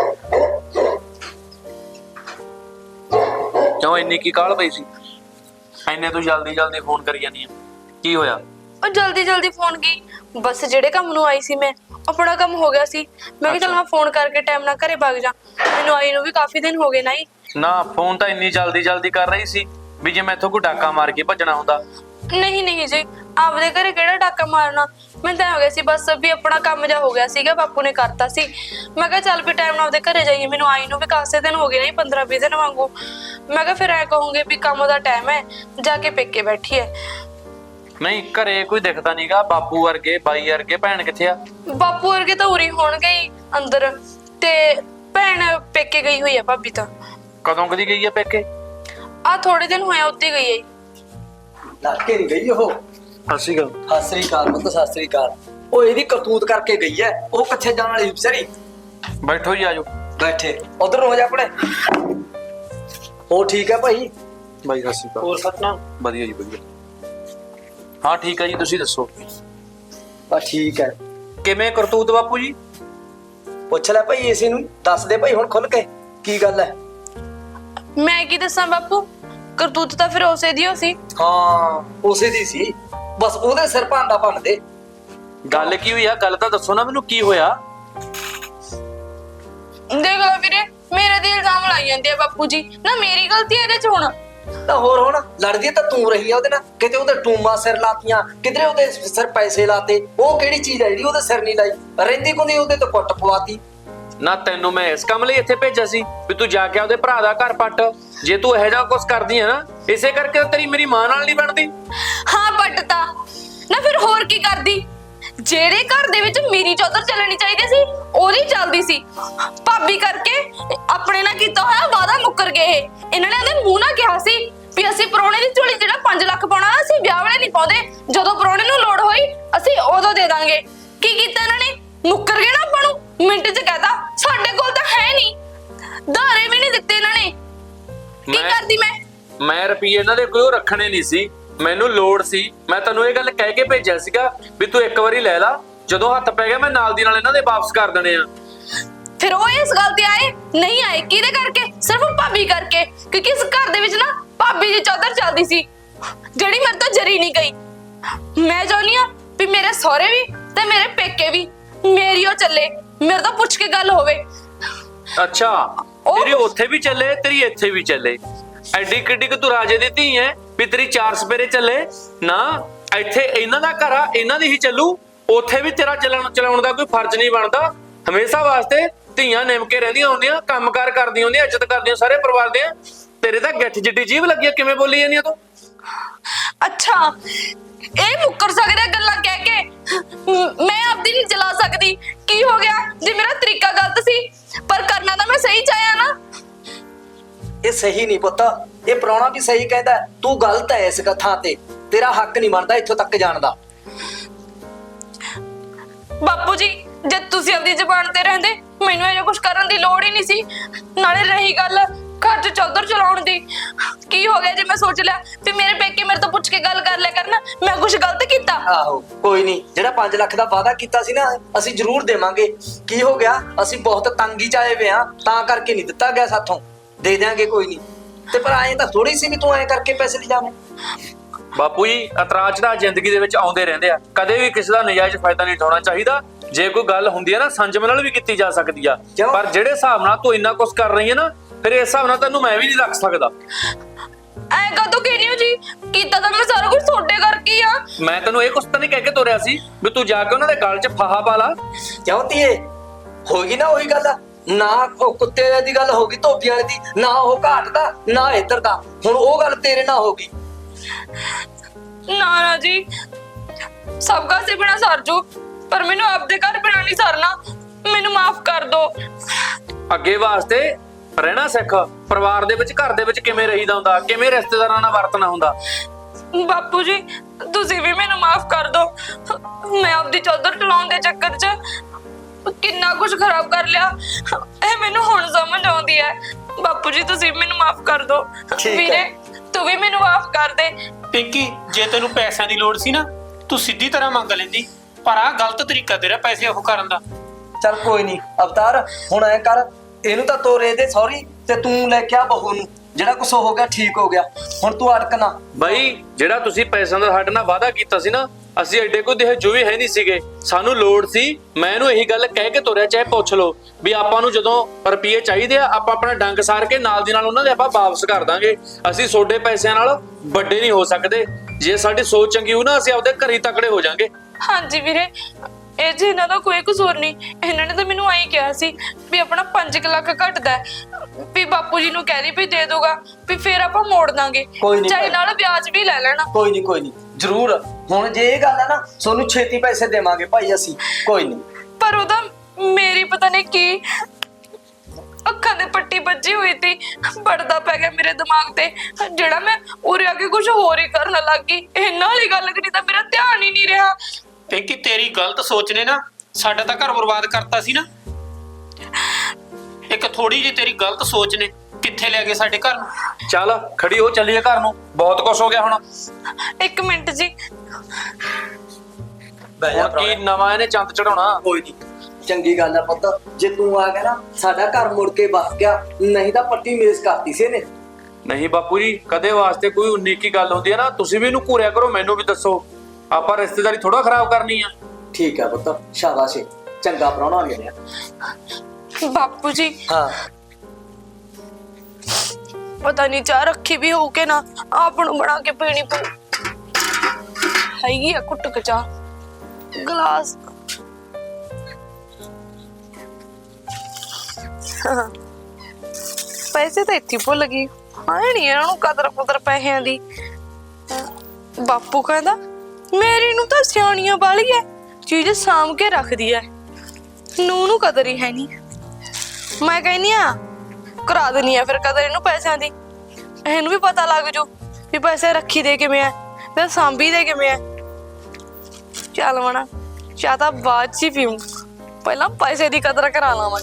E: ਕਿਉਂ ਇੰਨੀ ਕੀ ਕਾਹਲ ਪਈ ਸੀ? ਐਨੇ ਤੂੰ ਜਲਦੀ ਜਲਦੀ ਫੋਨ ਕਰੀ ਜਾਂਦੀ ਆ, ਕੀ ਹੋਇਆ?
B: ਉਹ ਜਲਦੀ ਜਲਦੀ ਫੋਨ ਕੀ, ਬਸ ਜਿਹੜੇ ਕੰਮ ਨੂੰ ਆਈ ਸੀ ਮੈਂ, ਆਪਣਾ ਕੰਮ ਹੋ ਗਿਆ ਸੀ। ਮੈਂ ਕਿਹਾ ਚਲ ਮੈਂ ਫੋਨ ਕਰਕੇ ਟਾਈਮ ਨਾਲ ਘਰੇ ਭੱਗ ਜਾ, ਮੈਨੂੰ ਆਈ ਨੂੰ ਵੀ ਕਾਫੀ ਦਿਨ ਹੋ ਗਏ ਨਾ ਹੀ।
E: ਨਾ ਫੋਨ ਤਾਂ ਇੰਨੀ ਜਲਦੀ ਜਲਦੀ ਕਰ ਰਹੀ ਸੀ ਵੀ ਜੇ ਮੈਥੋਂ ਕੋਈ ਡਾਕਾ ਮਾਰ ਕੇ ਭੱਜਣਾ ਹੁੰਦਾ।
B: ਨਹੀਂ ਨਹੀਂ ਜੀ, ਆਪਦੇ ਘਰੇ ਕਿਹੜਾ ਡਾਕਾ ਮਾਰਨਾ, ਮੈਂ ਤਾਂ ਹੋ ਗਿਆ ਸੀ ਬਸ ਵੀ ਆਪਣਾ ਕੰਮ ਜਾ ਹੋ ਗਿਆ ਸੀਗਾ, ਬਾਪੂ ਨੇ ਕਰਤਾ ਸੀ। ਮੈਂ ਕਿਹਾ ਚੱਲ ਵੀ ਟਾਈਮ ਨਾਲ ਆਪਦੇ ਘਰੇ ਜਾਈਏ, ਮੈਨੂੰ ਆਈ ਨੂੰ ਵੀ ਕਾਸੇ ਦਿਨ ਹੋ ਗਏ ਨਹੀਂ, ਪੰਦਰਾਂ ਵੀਹ ਦਿਨ ਵਾਂਗੂ। ਮੈਂ ਕਿਹਾ ਫਿਰ ਐ ਕਹੂੰਗੇ ਵੀ ਕੰਮ ਦਾ ਟਾਈਮ ਹੈ, ਜਾ ਕੇ ਪੇਕੇ ਬੈਠੀ ਹੈ।
E: ਨਹੀਂ ਘਰੇ ਕੋਈ ਦਿਖਦਾ ਨਹੀਂਗਾ, ਬਾਪੂ ਵਰਗੇ ਬਾਈ ਵਰਗੇ, ਭੈਣ ਕਿੱਥੇ ਆ?
B: ਬਾਪੂ ਵਰਗੇ ਤਾਂ ਉਰੀ ਹੋਣਗੇ ਹੀ ਅੰਦਰ, ਤੇ ਭੈਣ ਪੇਕੇ ਗਈ ਹੋਈ ਆ ਭਾਬੀ ਤਾਂ।
E: ਕਦੋਂ ਕਦੀ ਗਈ ਆ ਪੇਕੇ?
B: ਆ ਥੋੜੇ ਦਿਨ ਹੋਇਆ ਉੱਤੇ ਗਈ ਹੈ।
A: ਲੱਗੇ ਨਹੀਂ ਗਈ ਉਹ।
E: ਅਸੀਂ ਗੱਲ
A: ਸਤਿ ਸ੍ਰੀ ਅਕਾਲ ਪੁੱਤ, ਸਤਿ ਸ੍ਰੀ ਅਕਾਲ। ਉਹ ਇਹਦੀ ਕਰਤੂਤ ਕਰਕੇ ਗਈ ਹੈ, ਉਹ ਕਿੱਥੇ ਜਾਣ ਵਾਲੀ ਵਿਚਾਰੀ।
E: ਬੈਠੋ ਜੀ, ਆਜੋ
A: ਬੈਠੇ ਉਧਰ ਹੋ ਜਾ ਆਪਣੇ। ਉਹ ਠੀਕ ਹੈ ਭਾਈ?
E: ਬਾਈ ਸਤਿ ਸ਼੍ਰੀ ਅਕਾਲ।
C: ਹੋਰ ਸਤਨਾਮ?
E: ਵਧੀਆ ਜੀ ਵਧੀਆ। ਹਾਂ ਠੀਕ ਹੈ ਜੀ, ਤੁਸੀਂ ਦੱਸੋ
A: ਬਸ ਠੀਕ ਹੈ।
E: ਕਿਵੇਂ ਕਰਤੂਤ ਬਾਪੂ ਜੀ?
A: ਪੁੱਛ ਲੈ ਭਾਈ ਇਸੇ ਨੂੰ, ਦੱਸ ਦੇ ਭਾਈ ਹੁਣ ਖੁੱਲ ਕੇ ਕੀ ਗੱਲ ਹੈ।
B: ਮੈਂ ਕੀ ਦੱਸਾਂ ਬਾਪੂ, ਕਰਤੂਤ ਤਾਂ ਫਿਰ ਉਸੇ ਦੀ ਹੋ ਸੀ।
A: ਹਾਂ ਉਸੇ ਦੀ ਸੀ, ਬਸ ਉਹਦੇ ਸਿਰ ਭਾਂਡਾ ਭੰਨ ਦੇ।
E: ਗੱਲ ਕੀ ਹੋਈ ਆ? ਗੱਲ ਤਾਂ ਦੱਸੋ ਨਾ ਮੈਨੂੰ, ਕੀ ਹੋਇਆ?
B: ਦੇਖ ਲਓ ਵੀਰੇ, ਮੇਰੇ ਤੇ ਇਲਜ਼ਾਮ ਲਾਈ ਜਾਂਦੇ ਆ ਬਾਪੂ ਜੀ, ਨਾ ਮੇਰੀ ਗਲਤੀ ਇਹਦੇ ਚ ਹੁਣ।
A: ਤਾਂ ਹੋਰ ਹੁਣ ਲੜਦੀ ਤਾਂ ਤੂੰ ਰਹੀ ਆ ਉਹਦੇ ਨਾਲ, ਕਿਤੇ ਉਹਦੇ ਟੂਮਾ ਸਿਰ ਲਾਤੀਆਂ, ਕਿਧਰੇ ਉਹਦੇ ਸਿਰ ਪੈਸੇ ਲਾਤੇ। ਉਹ ਕਿਹੜੀ ਚੀਜ਼ ਹੈ ਜਿਹੜੀ ਉਹਦੇ ਸਿਰ ਨਹੀਂ ਲਾਈ? ਰਹਿੰਦੀ ਕੁੰਦੀ ਉਹਦੇ ਤੇ ਕੁੱਟ ਪਵਾਤੀ।
E: ਨਾ ਤੈਨੂੰ ਮੈਂ ਇਸ ਕੰਮ ਲਈ ਇੱਥੇ ਭੇਜਿਆ ਸੀ ਵੀ ਤੂੰ ਜਾ ਕੇ ਉਹਦੇ ਭਰਾ ਦਾ ਘਰ ਪੱਟ। ਜੇ ਤੂੰ ਇਹੋ ਜਿਹਾ ਕੁਝ ਕਰਦੀ ਹੈ ਨਾ, ਇਸੇ ਕਰਕੇ ਤਾਂ ਤੇਰੀ ਮੇਰੀ ਮਾਂ ਨਾਲ ਨਹੀਂ ਬਣਦੀ।
B: ਹਾਂ ਪੱਟਤਾ ਨਾ, ਫਿਰ ਹੋਰ ਕੀ ਕਰਦੀ? ਜਿਹੜੇ ਘਰ ਦੇ ਵਿੱਚ ਮੇਰੀ ਚੌਧਰ ਚੱਲਣੀ ਚਾਹੀਦੀ ਸੀ, ਉਹਦੀ ਚੱਲਦੀ ਸੀ। ਭਾਬੀ ਕਰਕੇ ਆਪਣੇ ਨਾਲ ਕੀਤਾ ਹੋਇਆ ਵਾਦਾ ਮੁੱਕਰ ਗਏ ਇਹ। ਇਹਨਾਂ ਨੇ ਉਹਦੇ ਮੂੰਹ ਨਾਲ ਕਿਹਾ ਸੀ ਵੀ ਅਸੀਂ ਪ੍ਰਾਹੁਣੇ ਦੀ ਝੋਲੀ ਜਿਹੜਾ ਪੰਜ ਲੱਖ ਪਾਉਣਾ, ਅਸੀਂ ਵਿਆਹ ਵੇਲੇ ਨਹੀਂ ਪਾਉਂਦੇ, ਜਦੋਂ ਪ੍ਰਾਹੁਣੇ ਨੂੰ ਲੋੜ ਹੋਈ ਅਸੀਂ ਉਦੋਂ ਦੇ ਦਾਂਗੇ। ਕੀ ਕੀਤਾ ਇਹਨਾਂ ਨੇ? ਮੁੱਕਰ ਗਏ ਨਾ ਆਪਾਂ ਨੂੰ, ਮਿੰਟ ਚ ਕਹਤਾ ਸਾਡੇ ਕੋਲ ਤਾਂ ਹੈ ਨਹੀਂ, ਧਾਰੇ ਵੀ ਨਹੀਂ ਦਿੱਤੇ ਇਹਨਾਂ ਨੇ। ਕੀ
E: ਮੈਂ-
B: ਕਰਦੀ ਮੈਂ?
E: ਮੈਂ ਰੁਪਈਏ ਇਹਨਾਂ ਦੇ ਕੋਈ ਰੱਖਣੇ ਨਹੀਂ ਸੀ, ਮੈਨੂੰ ਲੋੜ ਸੀ। ਮੈਂ ਤੈਨੂੰ ਇਹ ਗੱਲ ਕਹਿ ਕੇ ਭੇਜਿਆ ਸੀਗਾ ਵੀ ਤੂੰ ਇੱਕ ਵਾਰੀ ਲੈ ਲਾ, ਜਦੋਂ ਹੱਥ ਪੈ ਗਿਆ ਮੈਂ ਨਾਲ ਦੀ ਨਾਲ ਇਹਨਾਂ ਦੇ ਵਾਪਸ ਕਰ ਦੇਣੇ ਆ।
B: ਫਿਰ ਉਹ ਇਸ ਗੱਲ ਤੇ ਆਏ ਨਹੀਂ ਆਏ ਕਿਹਦੇ ਕਰਕੇ? ਸਿਰਫ ਭਾਬੀ ਕਰਕੇ, ਕਿਉਂਕਿ ਇਸ ਘਰ ਦੇ ਵਿੱਚ ਨਾ ਭਾਬੀ ਦੀ ਚਾਦਰ ਚੱਲਦੀ ਸੀ, ਜਿਹੜੀ ਮੇਰੇ ਤੋਂ ਜਰੀ ਨਹੀਂ ਗਈ। ਮੈਂ ਚਾਹੁੰਦੀ ਆ ਵੀ ਮੇਰੇ ਸਹੁਰੇ ਵੀ ਤੇ ਮੇਰੇ ਪੇਕੇ ਵੀ ਮੇਰੀ ਉਹ ਚੱਲੇ, ਮੇਰੇ ਤੋਂ ਪੁੱਛ ਕੇ ਗੱਲ ਹੋਵੇ।
E: ਅੱਛਾ,
B: ਉਹ-
E: ਤੇਰੀ ਉੱਥੇ ਵੀ ਚੱਲੇ, ਤੇਰੀ ਇੱਥੇ ਵੀ ਚੱਲੇ। ਐਡੀ ਕਿੱਡੀ ਕਿ ਤੂੰ ਰਾਜੇ ਦੀ ਧੀ ਐ ਵੀ ਤੇਰੀ ਚਾਰ ਸਪੇਰੇ ਚੱਲੇ ਨਾ? ਇੱਥੇ ਇਹਨਾਂ ਦਾ ਘਰ ਆ, ਇਹਨਾਂ ਦੀ ਹੀ ਚੱਲੂ। ਉੱਥੇ ਵੀ ਤੇਰਾ ਚੱਲਣ ਚਲਾਉਣ ਦਾ ਕੋਈ ਫਰਜ਼ ਨਹੀਂ ਬਣਦਾ। ਹਮੇਸ਼ਾ ਵਾਸਤੇ ਧੀਆਂ ਨਿਮ ਕੇ ਰਹਿੰਦੀਆਂ ਹੁੰਦੀਆਂ, ਕੰਮਕਾਰ ਕਰਦੀਆਂ ਹੁੰਦੀਆਂ, ਇੱਜ਼ਤ ਕਰਦੀਆਂ ਸਾਰੇ ਪਰਿਵਾਰ ਦੇ। ਤੇਰੇ ਤਾਂ ਗਿੱਠ ਜਿੱਡੀ ਜੀਭ ਲੱਗੀ ਆ, ਕਿਵੇਂ ਬੋਲੀ ਜਾਂਦੀ ਆ ਤੂੰ?
B: ਅੱਛਾ, ਇਹ ਮੁੱਕਰ ਸਕਦੇ ਗੱਲਾਂ ਕਹਿ ਕੇ, ਮ- ਮੈਂ ਆਪਦੀ ਨਹੀਂ ਚਲਾ ਸਕਦੀ। ਕੀ ਹੋ ਗਿਆ ਜੇ ਮੇਰਾ ਤਰੀਕਾ
F: ਇਹ ਸਹੀ ਨਹੀਂ ਪੁੱਤ, ਇਹ ਪ੍ਰਾਹੁਣਾ ਵੀ ਸਹੀ ਕਹਿੰਦਾ, ਤੂੰ ਗਲਤ ਹੈ ਇਸ ਥਾਂ ਤੇ, ਤੇਰਾ ਹੱਕ ਨਹੀਂ ਬਣਦਾ ਇੱਥੋਂ ਤੱਕ ਜਾਣ ਦਾ।
B: ਬਾਪੂ ਜੀ ਜੇ ਤੁਸੀਂ ਆਪਣੀ ਜ਼ੁਬਾਨ ਤੇ ਰਹਿੰਦੇ ਮੈਨੂੰ ਇਹ ਕੁਝ ਕਰਨ ਦੀ ਲੋੜ ਹੀ ਨਹੀਂ ਸੀ। ਨਾਲੇ ਰਹੀ ਗੱਲ ਘਰ 'ਚ ਚੌਧਰ ਚਲਾਉਣ ਦੀ, ਕੀ ਹੋ ਗਿਆ ਜੇ ਮੈਂ ਸੋਚ ਲਿਆ ਵੀ ਮੇਰੇ ਪੇਕੇ ਮੇਰੇ ਤੋਂ ਪੁੱਛ ਕੇ ਗੱਲ ਕਰ ਲਿਆ ਕਰਨਾ, ਮੈਂ ਕੁਝ ਗਲਤ ਕੀਤਾ?
F: ਆਹੋ ਕੋਈ ਨਹੀਂ, ਜਿਹੜਾ ਪੰਜ ਲੱਖ ਦਾ ਵਾਅਦਾ ਕੀਤਾ ਸੀ ਨਾ ਅਸੀਂ ਜ਼ਰੂਰ ਦੇਵਾਂਗੇ। ਕੀ ਹੋ ਗਿਆ, ਅਸੀਂ ਬਹੁਤ ਤੰਗੀ ਚ ਆਏ ਵੇ ਆ, ਤਾਂ ਕਰਕੇ ਨਹੀਂ ਦਿੱਤਾ ਗਿਆ ਸਾਥੋਂ, ਦੇ ਦਿਆਂਗੇ ਕੋਈ ਨਹੀਂ। ਤੇ ਪਰ ਐਂ ਤਾਂ ਥੋੜੀ ਸੀ ਵੀ ਤੂੰ ਐਂ ਕਰਕੇ ਪੈਸੇ ਲੈ ਜਾਵੇਂ।
E: ਬਾਪੂ ਜੀ ਇਤਰਾਜ਼ ਤਾਂ ਜ਼ਿੰਦਗੀ ਦੇ ਵਿੱਚ ਆਉਂਦੇ ਰਹਿੰਦੇ ਆ, ਕਦੇ ਵੀ ਕਿਸੇ ਦਾ ਨਜਾਇਜ਼ ਫਾਇਦਾ ਨਹੀਂ ਉਠਾਉਣਾ ਚਾਹੀਦਾ। ਜੇ ਕੋਈ ਗੱਲ ਹੁੰਦੀ ਹੈ ਨਾ ਸੰਜਮ ਨਾਲ ਵੀ ਕੀਤੀ ਜਾ ਸਕਦੀ ਆ,
F: ਕਿਉਂ?
E: ਪਰ ਜਿਹੜੇ ਹਿਸਾਬ ਨਾਲ ਤੂੰ ਇੰਨਾ ਕੁਝ ਕਰ ਰਹੀ ਹੈ ਨਾ, ਫਿਰ ਇਸ ਹਿਸਾਬ ਨਾਲ ਤੈਨੂੰ ਮੈਂ ਵੀ ਨਹੀਂ ਰੱਖ ਸਕਦਾ।
B: ਐ ਕਦੋਂ ਕਹਿਨੀ ਹੋ ਜੀ, ਕੀਤਾ ਤਾਂ ਮੈਂ ਸਾਰਾ ਕੁਝ ਤੁਹਾਡੇ ਕਰਕੇ ਆ।
E: ਮੈਂ ਤੈਨੂੰ ਇਹ ਕੁਛ ਤਾਂ ਨਹੀਂ ਕਹਿ ਕੇ ਤੋਰਿਆ ਸੀ ਵੀ ਤੂੰ ਜਾ ਕੇ ਉਹਨਾਂ ਦੇ ਗਲ 'ਚ ਫਾਹਾ ਪਾ ਲਾ।
F: ਕਿਉਂ ਧੀਏ, ਹੋਗੀ ਨਾ ਉਹੀ ਗੱਲ, ਨਾ ਉਹ ਕੁੱਤੇ ਦੀ ਗੱਲ ਹੋਗੀ ਧੋਬੀਆਂ ਵਾਲੀ ਦੀ, ਨਾ ਉਹ ਘਾਟ ਦਾ ਨਾ ਇੱਧਰ ਦਾ, ਹੁਣ ਉਹ ਗੱਲ ਤੇਰੇ ਨਾਲ ਹੋਗੀ।
B: ਨਾ ਨਾ ਜੀ, ਸਭ ਘਰ ਸੇ ਬਿਨਾ ਸਰ ਜੋ, ਪਰ ਮੈਨੂੰ ਆਪਦੇ ਘਰ ਬਿਨਾ ਨਹੀਂ ਸਰਨਾ, ਮੈਨੂੰ ਮਾਫ ਕਰ ਦੋ।
E: ਅੱਗੇ ਵਾਸਤੇ ਰਹਿਣਾ ਸਿੱਖ, ਪਰਿਵਾਰ ਦੇ ਵਿੱਚ ਘਰ ਦੇ ਵਿੱਚ ਕਿਵੇਂ ਰਹੀਦਾ ਹੁੰਦਾ, ਕਿਵੇਂ ਰਿਸ਼ਤੇਦਾਰਾਂ ਨਾਲ ਵਰਤਣਾ ਹੁੰਦਾ।
B: ਬਾਪੂ ਜੀ ਤੁਸੀਂ ਵੀ ਮੈਨੂੰ ਮਾਫ ਕਰ ਦੋ, ਮੈਂ ਆਪਦੀ ਚੌਧਰ ਚਲਾਉਣ ਦੇ ਚੱਕਰ 'ਚ ਕਿੰਨਾ ਕੁਝ ਖਰਾਬ ਕਰ ਲਿਆ, ਇਹ ਮੈਨੂੰ ਹੁਣ ਸਮਝ ਆਉਂਦੀ ਹੈ। ਬਾਪੂ ਜੀ ਤੁਸੀਂ ਮੈਨੂੰ ਮਾਫ ਕਰ ਦੋ।
F: ਠੀਕ ਹੈ।
B: ਵੀਰੇ ਤੂੰ ਵੀ ਮੈਨੂੰ ਮਾਫ ਕਰ ਦੇ।
C: ਪਿੰਕੀ ਜੇ ਤੈਨੂੰ ਪੈਸਿਆਂ ਦੀ ਲੋੜ ਸੀ ਨਾ ਤੂੰ ਸਿੱਧੀ ਤਰ੍ਹਾਂ ਮੰਗ ਲੈਂਦੀ, ਪਰ ਆਹ ਗਲਤ ਤਰੀਕਾ ਤੇਰਾ ਪੈਸੇ ਉਹ ਕਰਨ ਦਾ।
F: ਚੱਲ ਕੋਈ ਨਹੀਂ ਅਵਤਾਰ, ਹੁਣ ਐ ਕਰ, ਇਹਨੂੰ ਤਾਂ ਤੋਰੇ ਦੇ ਸੌਰੀ, ਤੇ ਤੂੰ ਲੈ ਕੇ ਆ ਬਹੂ ਨੂੰ, ਜਿਹੜਾ ਕੁਛ ਹੋ ਗਿਆ ਠੀਕ ਹੋ ਗਿਆ, ਹੁਣ ਤੂੰ ਅਟਕ ਨਾ।
E: ਬਾਈ ਜਿਹੜਾ ਤੁਸੀਂ ਪੈਸਿਆਂ ਦਾ ਸਾਡੇ ਨਾਲ ਵਾਅਦਾ ਕੀਤਾ ਸੀ ਨਾ, ਅਸੀਂ ਐਡੇ ਕੋਈ ਦੇਹ ਜੋ ਵੀ ਹੈ ਨਹੀਂ ਸੀਗੇ, ਸਾਨੂੰ ਲੋੜ ਸੀ। ਮੈਂ ਇਹਨੂੰ ਇਹੀ ਗੱਲ ਕਹਿ ਕੇ ਤੋਰਿਆ, ਚਾਹੇ ਪੁੱਛ ਲਓ ਵੀ ਆਪਾਂ ਨੂੰ ਜਦੋਂ ਰੁਪਏ ਚਾਹੀਦੇ ਆ ਆਪਾਂ ਆਪਣਾ ਡੰਗ ਸਾਰ ਕੇ ਨਾਲ ਦੀ ਨਾਲ ਉਹਨਾਂ ਦੇ ਆਪਾਂ ਵਾਪਸ ਕਰ ਦਾਂਗੇ। ਅਸੀਂ ਤੁਹਾਡੇ ਪੈਸਿਆਂ ਨਾਲ ਵੱਡੇ ਨਹੀਂ ਹੋ ਸਕਦੇ, ਜੇ ਸਾਡੀ ਸੋਚ ਚੰਗੀ ਹੋ ਨਾ ਅਸੀਂ ਆਪਦੇ ਘਰੀ ਤਕੜੇ ਹੋ ਜਾਾਂਗੇ।
B: ਹਾਂਜੀ ਵੀਰੇ, ਇਹ ਜੀ ਇਹਨਾਂ ਦਾ ਕੋਈ ਕਸੂਰ ਨਹੀਂ, ਇਹਨਾਂ ਨੇ ਤਾਂ ਮੈਨੂੰ ਐਂ ਕਿਹਾ ਸੀ ਵੀ ਆਪਣਾ ਪੰਜ ਲੱਖ ਘਟਦਾ ਵੀ ਬਾਪੂ ਜੀ ਨੂੰ ਕਹਿ ਦੀ ਵੀ ਦੇ ਦੋਗਾ ਵੀ ਫੇਰ ਆਪਾਂ ਮੋੜ ਦਾਂਗੇ,
F: ਕੋਈ ਨੀ
B: ਚਾਹੇ
F: ਭਾਈ।
B: ਨਾਲ ਵਿਆਜ ਵੀ ਲੈ ਲੈਣਾ।
F: ਕੋਈ ਨਹੀਂ ਕੋਈ ਨਹੀਂ ਜ਼ਰੂਰ, ਹੁਣ ਜੇ ਇਹ ਗੱਲ ਹੈ ਨਾ ਤੁਹਾਨੂੰ ਛੇਤੀ ਪੈਸੇ ਦੇਵਾਂਗੇ ਭਾਈ ਅਸੀਂ, ਕੋਈ ਨਹੀਂ।
B: ਪਰ ਉਹਦਾ ਮੇਰੀ ਪਤਾ ਨਹੀਂ ਕੀ ਅੱਖਾਂ ਦੇ ਪੱਟੀ ਵੱਜੀ ਹੋਈ ਸੀ, ਪੜਦਾ ਪੈ ਗਿਆ ਮੇਰੇ ਦਿਮਾਗ ਤੇ, ਜਿਹੜਾ ਮੈਂ ਉਰੇ ਆ ਕੇ ਕੁਝ ਹੋਰ ਹੀ ਕਰਨ ਲੱਗ ਗਈ। ਇਹਨਾਂ ਵਾਲੀ ਗੱਲ ਕਰੀ ਤਾਂ ਮੇਰਾ ਧਿਆਨ ਹੀ ਨਹੀਂ ਰਿਹਾ।
C: ਪਿੰਕੀ ਤੇਰੀ ਗਲਤ ਸੋਚ ਨੇ ਨਾ ਸਾਡਾ ਤਾਂ ਘਰ ਬਰਬਾਦ ਕਰਤਾ ਸੀ ਨਾ। ਇੱਕ ਥੋੜੀ ਜਿਹੀ ਤੇਰੀ ਗਲਤ ਸੋਚ ਨੇ ਕਿੱਥੇ ਲੈ ਗਏ ਸਾਡੇ ਘਰ ਨੂੰ।
E: ਚੱਲ ਖੜੀ ਹੋ, ਚੱਲੀਏ ਘਰ ਨੂੰ, ਬਹੁਤ ਕੁਛ ਹੋ ਗਿਆ ਹੁਣ।
B: ਇੱਕ ਮਿੰਟ ਜੀ,
F: ਬਹਿ ਜਾ
E: ਹੁਣ ਕੀ ਨਵਾਂ ਇਹਨੇ ਚੰਦ ਚੜਾਉਣਾ।
F: ਕੋਈ ਨਹੀਂ, ਚੰਗੀ ਗੱਲ ਆ ਪੁੱਤ, ਜੇ ਤੂੰ ਆ ਗਿਆ ਨਾ ਸਾਡਾ ਘਰ ਮੁੜ ਕੇ ਵਸ ਗਿਆ, ਨਹੀਂ ਤਾਂ ਪੱਟੀ ਮੇਜ਼ ਕਰਤੀ ਸੀ ਇਹਨੇ।
E: ਨਹੀਂ ਬਾਪੂ ਜੀ, ਕਦੇ ਵਾਸਤੇ ਕੋਈ ਉਨੀ ਕੀ ਗੱਲ ਹੁੰਦੀ ਹੈ ਨਾ ਤੁਸੀਂ ਵੀ ਇਹਨੂੰ ਘੂਰਿਆ ਕਰੋ, ਮੈਨੂੰ ਵੀ ਦੱਸੋ, ਆਪਾਂ ਰਿਸ਼ਤੇਦਾਰੀ ਥੋੜਾ ਖਰਾਬ ਕਰਨੀ ਆ।
F: ਠੀਕ ਆ ਪੁੱਤ, ਸ਼ਾਬਾਸ਼, ਚੰਗਾ ਪ੍ਰਾਹੁਣਾ ਆ ਗਿਆ।
B: ਬਾਪੂ ਜੀ
F: ਹਾਂ
B: ਪਤਾ ਨਹੀਂ ਚਾਹ ਰੱਖੀ ਵੀ ਹੋਊ ਕਿ ਨਾ, ਆਪ ਨੂੰ ਬਣਾ ਕੇ ਪੀਣੀ ਪਊ। ਹੈਗੀ ਆ ਕੁੱਟ ਕੇ ਚਾਹ, ਗਲਾਸ। ਪੈਸੇ ਤਾਂ ਇੱਥੇ ਭੁੱਲ ਗਈ, ਆਏ ਨਹੀਂ ਇਹਨਾਂ ਨੂੰ ਕਦਰ ਕੁਦਰ ਪੈਸਿਆਂ ਦੀ। ਬਾਪੂ ਕਹਿੰਦਾ ਮੇਰੀ ਨੂੰ ਤਾਂ ਸਿਆਣੀਆਂ ਵਾਲੀ ਐ, ਚੀਜ਼ ਸਾਂਭ ਕੇ ਰੱਖਦੀ ਐ, ਨੂੰ ਨੂੰ ਕਦਰ ਹੀ ਹੈ ਨਹੀਂ। ਮੈਂ ਕਹਿੰਨੀ ਆ ਕਰਾ ਦੇਣੀ ਆ ਫਿਰ ਕਦਰ ਇਹਨੂੰ ਪੈਸਿਆਂ ਦੀ, ਇਹਨੂੰ ਵੀ ਪਤਾ ਲੱਗ ਜੂ ਵੀ ਪੈਸੇ ਰੱਖੀ ਦੇ ਕਿਵੇਂ ਆ ਤੇ ਸਾਂਭੀ ਦੇ ਕਿਵੇਂ ਆ। ਚੱਲ ਮਣਾ ਚਾਹ ਤਾਂ ਬਾਅਦ ਚ ਹੀ ਪੀਊਂ, ਪਹਿਲਾਂ ਪੈਸੇ ਦੀ ਕਦਰ ਕਰਾ ਲਾਵਾਂ।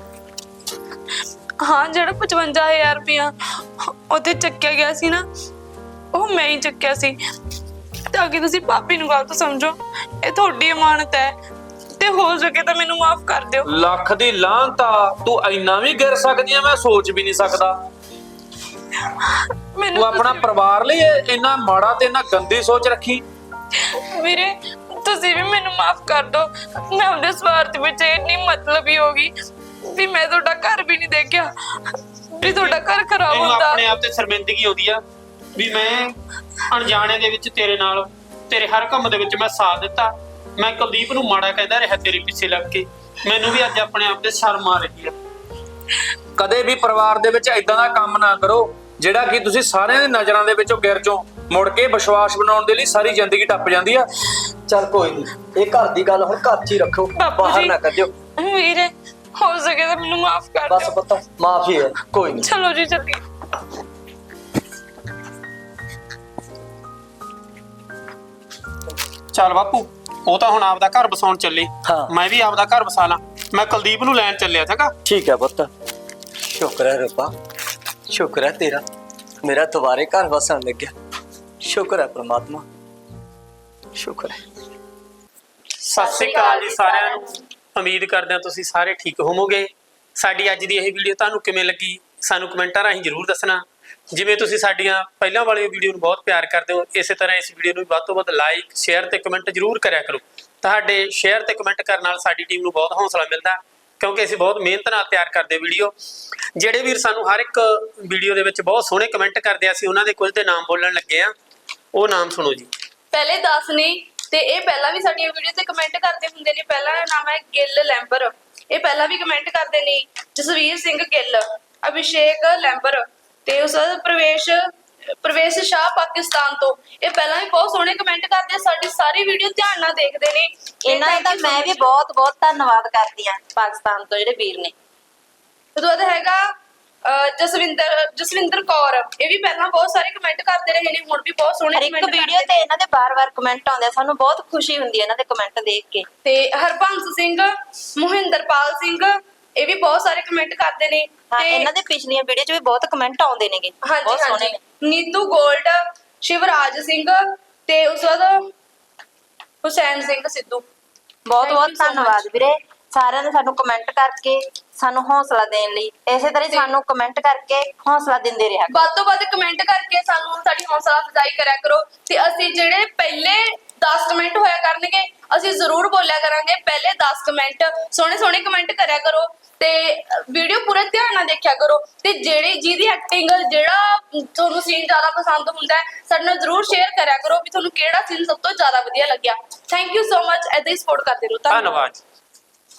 B: ਹਾਂ ਜਿਹੜਾ ਪਚਵੰਜਾ ਹਜ਼ਾਰ ਰੁਪਇਆ ਉੱਥੇ ਚੱਕਿਆ ਗਿਆ ਸੀ ਨਾ, ਉਹ ਮੈਂ ਹੀ ਚੱਕਿਆ ਸੀ, ਤਾਂ ਕਿ ਤੁਸੀਂ ਭਾਬੀ ਨੂੰ ਗਲਤ ਸਮਝੋ, ਇਹ ਤੁਹਾਡੀ ਅਮਾਨਤ ਹੈ, ਤੇ ਹੋ ਸਕੇ ਤਾਂ ਮੈਨੂੰ ਮਾਫ ਕਰ ਦਿਓ।
E: ਲੱਖ ਦੀ ਲਾਹਨਤ ਆ, ਤੂੰ ਇੰਨਾ ਵੀ ਗਿਰ ਸਕਦੀ ਆ, ਮੈਂ ਸੋਚ ਵੀ ਨਹੀਂ ਸਕਦਾ।
B: ਮੈਨੂੰ
E: ਤੂੰ ਆਪਣਾ ਪਰਿਵਾਰ ਲਈ ਇੰਨਾ ਮਾੜਾ ਤੇ ਇੰਨਾ ਗੰਦੀ ਸੋਚ ਰੱਖੀ।
B: ਵੀਰੇ ਤੁਸੀਂ ਵੀ ਮੈਨੂੰ ਮਾਫ ਕਰ ਦਿਓ, ਮੈਂ ਉਹਦੇ ਸਵਾਰਥ ਵਿੱਚ ਇੰਨੀ ਮਤਲਬੀ ਹੋ ਗਈ ਵੀ ਮੈਂ ਤੁਹਾਡਾ ਘਰ ਵੀ ਨਹੀਂ ਦੇਖਿਆ, ਵੀ ਤੁਹਾਡਾ ਘਰ ਖਰਾਬ
C: ਇਹਨੂੰ
B: ਹੁੰਦਾ।
C: ਆਪਣੇ ਆਪ ਤੇ ਸ਼ਰਮਿੰਦਗੀ ਆਉਂਦੀ ਆ ਵੀ ਮੈਂ ਅਣਜਾਣੇ ਦੇ ਵਿੱਚ ਤੇਰੇ ਨਾਲ ਤੇਰੇ ਹਰ ਕੰਮ ਦੇ ਵਿੱਚ ਮੈਂ ਸਾਥ ਦਿੱਤਾ। ਮੈਂ ਕੁਲਦੀਪ ਨੂੰ ਮਾੜਾ ਕਹਿੰਦਾ ਰਿਹਾ ਤੇਰੇ ਪਿੱਛੇ ਲੱਗ ਕੇ, ਮੈਨੂੰ ਵੀ ਅੱਜ ਆਪਣੇ ਆਪ ਤੇ ਸ਼ਰਮ ਆ ਰਹੀ ਆ।
E: ਕਦੇ ਵੀ ਪਰਿਵਾਰ ਦੇ ਵਿੱਚ ਇਦਾਂ ਦਾ ਕੰਮ ਨਾ ਕਰੋ ਜਿਹੜਾ ਕਿ ਤੁਸੀਂ ਸਾਰਿਆਂ ਦੀ ਨਜ਼ਰਾਂ ਦੇ ਵਿੱਚੋਂ ਗਿਰ ਚੋਂ ਮੁੜ ਕੇ ਵਿਸ਼ਵਾਸ ਬਣਾਉਣ ਦੇ ਲਈ ਸਾਰੀ ਜ਼ਿੰਦਗੀ ਟੱਪ ਜਾਂਦੀ ਆ।
F: ਚੱਲ ਕੋਈ ਨਹੀਂ, ਇਹ ਘਰ ਦੀ ਗੱਲ ਹੁਣ ਘਰ 'ਚ ਹੀ ਰੱਖੋ,
B: ਬਾਪੂ
F: ਬਾਹਰ
B: ਜੀ,
F: ਨਾ ਕੱਢਿਓ।
B: ਵੀਰੇ ਹੋ ਸਕੇ ਤਾਂ ਮੈਨੂੰ ਮਾਫ ਕਰ
F: ਬਸ
B: ਦਿਓ।
F: ਪੁੱਤ ਮਾਫੀ ਹੈ, ਕੋਈ ਨਹੀਂ।
B: ਚਲੋ ਜੀ ਚੱਲੀਏ।
C: ਚੱਲ ਬਾਪੂ ਉਹ ਤਾਂ ਹੁਣ ਆਪਦਾ ਘਰ ਵਸਾਉਣ ਚੱਲੇ
A: ਹਾਂ।
C: ਮੈਂ ਵੀ ਆਪਦਾ ਘਰ ਵਸਾ ਲਾਂ। ਮੈਂ ਕੁਲਦੀਪ ਨੂੰ ਲੈਣ ਚੱਲਿਆ ਚੰਗਾ।
A: ਠੀਕ ਹੈ ਪੁੱਤ, ਸ਼ੁਕਰ ਹੈ ਰੱਬਾ, ਸ਼ੁਕਰ ਹੈ ਤੇਰਾ, ਮੇਰਾ ਦੁਬਾਰੇ ਘਰ ਵਸਣ ਲੱਗਿਆ। ਸ਼ੁਕਰ ਹੈ ਪ੍ਰਮਾਤਮਾ, ਸ਼ੁਕਰ ਹੈ।
C: ਸਤਿ ਸ੍ਰੀ ਅਕਾਲ ਜੀ ਸਾਰਿਆਂ ਨੂੰ। ਉਮੀਦ ਕਰਦੇ ਹਾਂ ਤੁਸੀਂ ਸਾਰੇ ਠੀਕ ਹੋਵੋਗੇ। ਸਾਡੀ ਅੱਜ ਦੀ ਇਹ ਵੀਡੀਓ ਤੁਹਾਨੂੰ ਕਿਵੇਂ ਲੱਗੀ ਸਾਨੂੰ ਕਮੈਂਟਾਂ ਰਾਹੀਂ ਜ਼ਰੂਰ ਦੱਸਣਾ। ਜਿਵੇਂ ਤੁਸੀਂ ਸਾਡੀਆਂ ਪਹਿਲਾਂ ਵਾਲੀ ਵੀਡੀਓ ਨੂੰ ਬਹੁਤ ਪਿਆਰ ਕਰਦੇ ਹੋ, ਇਸੇ ਤਰ੍ਹਾਂ ਇਸ ਵੀਡੀਓ ਨੂੰ ਵੀ ਵੱਧ ਤੋਂ ਵੱਧ ਲਾਈਕ, ਸ਼ੇਅਰ ਤੇ ਕਮੈਂਟ ਜ਼ਰੂਰ ਕਰਿਆ ਕਰੋ। ਤੁਹਾਡੇ ਸ਼ੇਅਰ ਤੇ ਕਮੈਂਟ ਕਰਨ ਨਾਲ ਸਾਡੀ ਟੀਮ ਨੂੰ ਬਹੁਤ ਹੌਸਲਾ ਮਿਲਦਾ, ਕਿਉਂਕਿ ਅਸੀਂ ਬਹੁਤ ਮਿਹਨਤ ਨਾਲ ਤਿਆਰ ਕਰਦੇ ਵੀਡੀਓ। ਜਿਹੜੇ ਵੀਰ ਸਾਨੂੰ ਹਰ ਇੱਕ ਵੀਡੀਓ ਦੇ ਵਿੱਚ ਬਹੁਤ ਸੋਹਣੇ ਕਮੈਂਟ ਕਰਦੇ ਆ, ਅਸੀਂ ਉਹਨਾਂ ਦੇ ਕੁਝ ਦੇ ਨਾਮ ਬੋਲਣ ਲੱਗੇ ਆ। ਉਹ ਨਾਮ ਸੁਣੋ ਜੀ।
B: ਪਹਿਲੇ ਦਸ ਨੇ ਤੇ ਇਹ ਪਹਿਲਾਂ ਵੀ ਸਾਡੀਆਂ ਵੀਡੀਓ ਤੇ ਕਮੈਂਟ ਕਰਦੇ ਹੁੰਦੇ ਨੇ। ਪਹਿਲਾ ਨਾਮ ਹੈ ਗਿੱਲ ਲੈਂਬਰ, ਇਹ ਪਹਿਲਾਂ ਵੀ ਕਮੈਂਟ ਕਰਦੇ ਨੇ। ਜਸਵੀਰ ਸਿੰਘ ਗਿੱਲ, ਅਭਿਸ਼ੇਕ ਲੈਂਬਰ ਤੇ ਉਸ ਬਾਅਦ ਪ੍ਰਵੇਸ਼ ਪ੍ਰਵੇਸ਼ ਸ਼ਾਹ ਪਾਕਿਸਤਾਨ ਤੋਂ, ਇਹ ਪਹਿਲਾਂ ਵੀ ਬਹੁਤ ਸੋਹਣੇ ਕਮੈਂਟ ਕਰਦੇ ਆ। ਸਾਡੀ ਸਾਰੀ ਵੀਡੀਓ ਧਿਆਨ ਨਾਲ ਦੇਖਦੇ ਨੇ।
D: ਇਹਨਾਂ ਦਾ ਮੈਂ ਵੀ ਬਹੁਤ ਬਹੁਤ ਧੰਨਵਾਦ ਕਰਦੀ ਆ ਪਾਕਿਸਤਾਨ ਤੋਂ ਜਿਹੜੇ ਵੀਰ ਨੇ।
B: ਉਹਦੇ ਬਾਅਦ ਹੈਗਾ ਅਹ, ਜਸਵਿੰਦਰ ਜਸਵਿੰਦਰ ਕੌਰ, ਇਹ ਵੀ ਪਹਿਲਾਂ ਬਹੁਤ ਸਾਰੇ ਕਮੈਂਟ ਕਰਦੇ ਰਹੇ ਨੇ, ਹੁਣ ਵੀ ਬਹੁਤ ਸੋਹਣੇ
D: ਹਰ ਇੱਕ
B: comment
D: ਵੀਡੀਓ
B: ਕਰਦੇ
D: ਤੇ
B: ਨੇ।
D: ਇਹਨਾਂ ਦੇ ਬਾਰ-ਬਾਰ ਕਮੈਂਟ ਆਉਂਦੇ ਆ, ਸਾਨੂੰ ਬਹੁਤ ਖੁਸ਼ੀ ਹੁੰਦੀ ਹੈ ਇਹਨਾਂ ਦੇ ਕਮੈਂਟ ਦੇਖ ਕੇ।
B: ਤੇ ਹਰਬੰਸ ਸਿੰਘ, ਮੋਹਿੰਦਰਪਾਲ ਸਿੰਘ, ਇਹ ਵੀ ਬਹੁਤ ਸਾਰੇ ਕਮੈਂਟ ਕਰਦੇ ਨੇ।
D: ਹਾਂ,
B: ਤੇ
D: ਇਹਨਾਂ ਦੇ ਪਿਛਲੀਆਂ ਵੀਡੀਓ 'ਚ ਵੀ ਬਹੁਤ ਕਮੈਂਟ ਆਉਂਦੇ ਨੇਗੇ,
B: ਹਾਂਜੀ
D: ਬਹੁਤ ਸੋਹਣੇ
B: ਹਾਂਜੀ
D: ਨੇ।
B: ਨੀਤੂ ਗੋਲਡ, ਸ਼ਿਵਰਾਜ ਸਿੰਘ ਤੇ ਉਸ ਤੋਂ ਬਾਅਦ ਹੁਸੈਨ ਸਿੰਘ ਸਿੱਧੂ।
D: ਬਹੁਤ
B: Thank
D: ਬਹੁਤ
B: you so much.
D: ਧੰਨਵਾਦ ਵੀਰੇ ਸਾਰਿਆਂ ਨੇ ਸਾਨੂੰ ਕਮੈਂਟ ਕਰਕੇ ਸਾਨੂੰ ਹੌਸਲਾ ਦੇਣ ਲਈ। ਇਸੇ ਤਰ੍ਹਾਂ ਹੀ ਸਾਨੂੰ ਕਮੈਂਟ ਕਰਕੇ ਹੌਸਲਾ ਦਿੰਦੇ ਰਿਹਾ ਕਰੋ।
B: ਵੱਧ ਤੋਂ ਵੱਧ ਕਮੈਂਟ ਕਰਕੇ ਸਾਨੂੰ ਸਾਡੀ ਹੌਸਲਾ ਅਫਜ਼ਾਈ ਕਰਿਆ ਕਰੋ। ਤੇ ਅਸੀਂ ਜਿਹੜੇ ਪਹਿਲੇ ਦਸ ਕਮੈਂਟ ਹੋਇਆ ਕਰਨਗੇ, ਅਸੀਂ ਜ਼ਰੂਰ ਬੋਲਿਆ ਕਰਾਂਗੇ ਪਹਿਲੇ ਦਸ ਕਮੈਂਟ। ਸੋਹਣੇ ਸੋਹਣੇ ਕਮੈਂਟ ਕਰਿਆ ਕਰੋ ਤੇ ਵੀਡੀਓ ਪੂਰੇ ਧਿਆਨ ਨਾਲ ਦੇਖਿਆ ਕਰੋ। ਤੇ ਜਿਹੜੀ ਜਿਹਦੀ ਐਕਟਿੰਗ, ਜਿਹੜਾ ਤੁਹਾਨੂੰ ਸੀਨ ਜ਼ਿਆਦਾ ਪਸੰਦ ਹੁੰਦਾ ਹੈ, ਸਾਡੇ ਨਾਲ ਜ਼ਰੂਰ ਸ਼ੇਅਰ ਕਰਿਆ ਕਰੋ ਵੀ ਤੁਹਾਨੂੰ ਕਿਹੜਾ ਸੀਨ ਸਭ ਤੋਂ ਜ਼ਿਆਦਾ ਵਧੀਆ ਲੱਗਿਆ। Thank you so much. ਏਦਾਂ ਹੀ ਸਪੋਰਟ ਕਰਦੇ ਰਹੋ।
C: ਧੰਨਵਾਦ।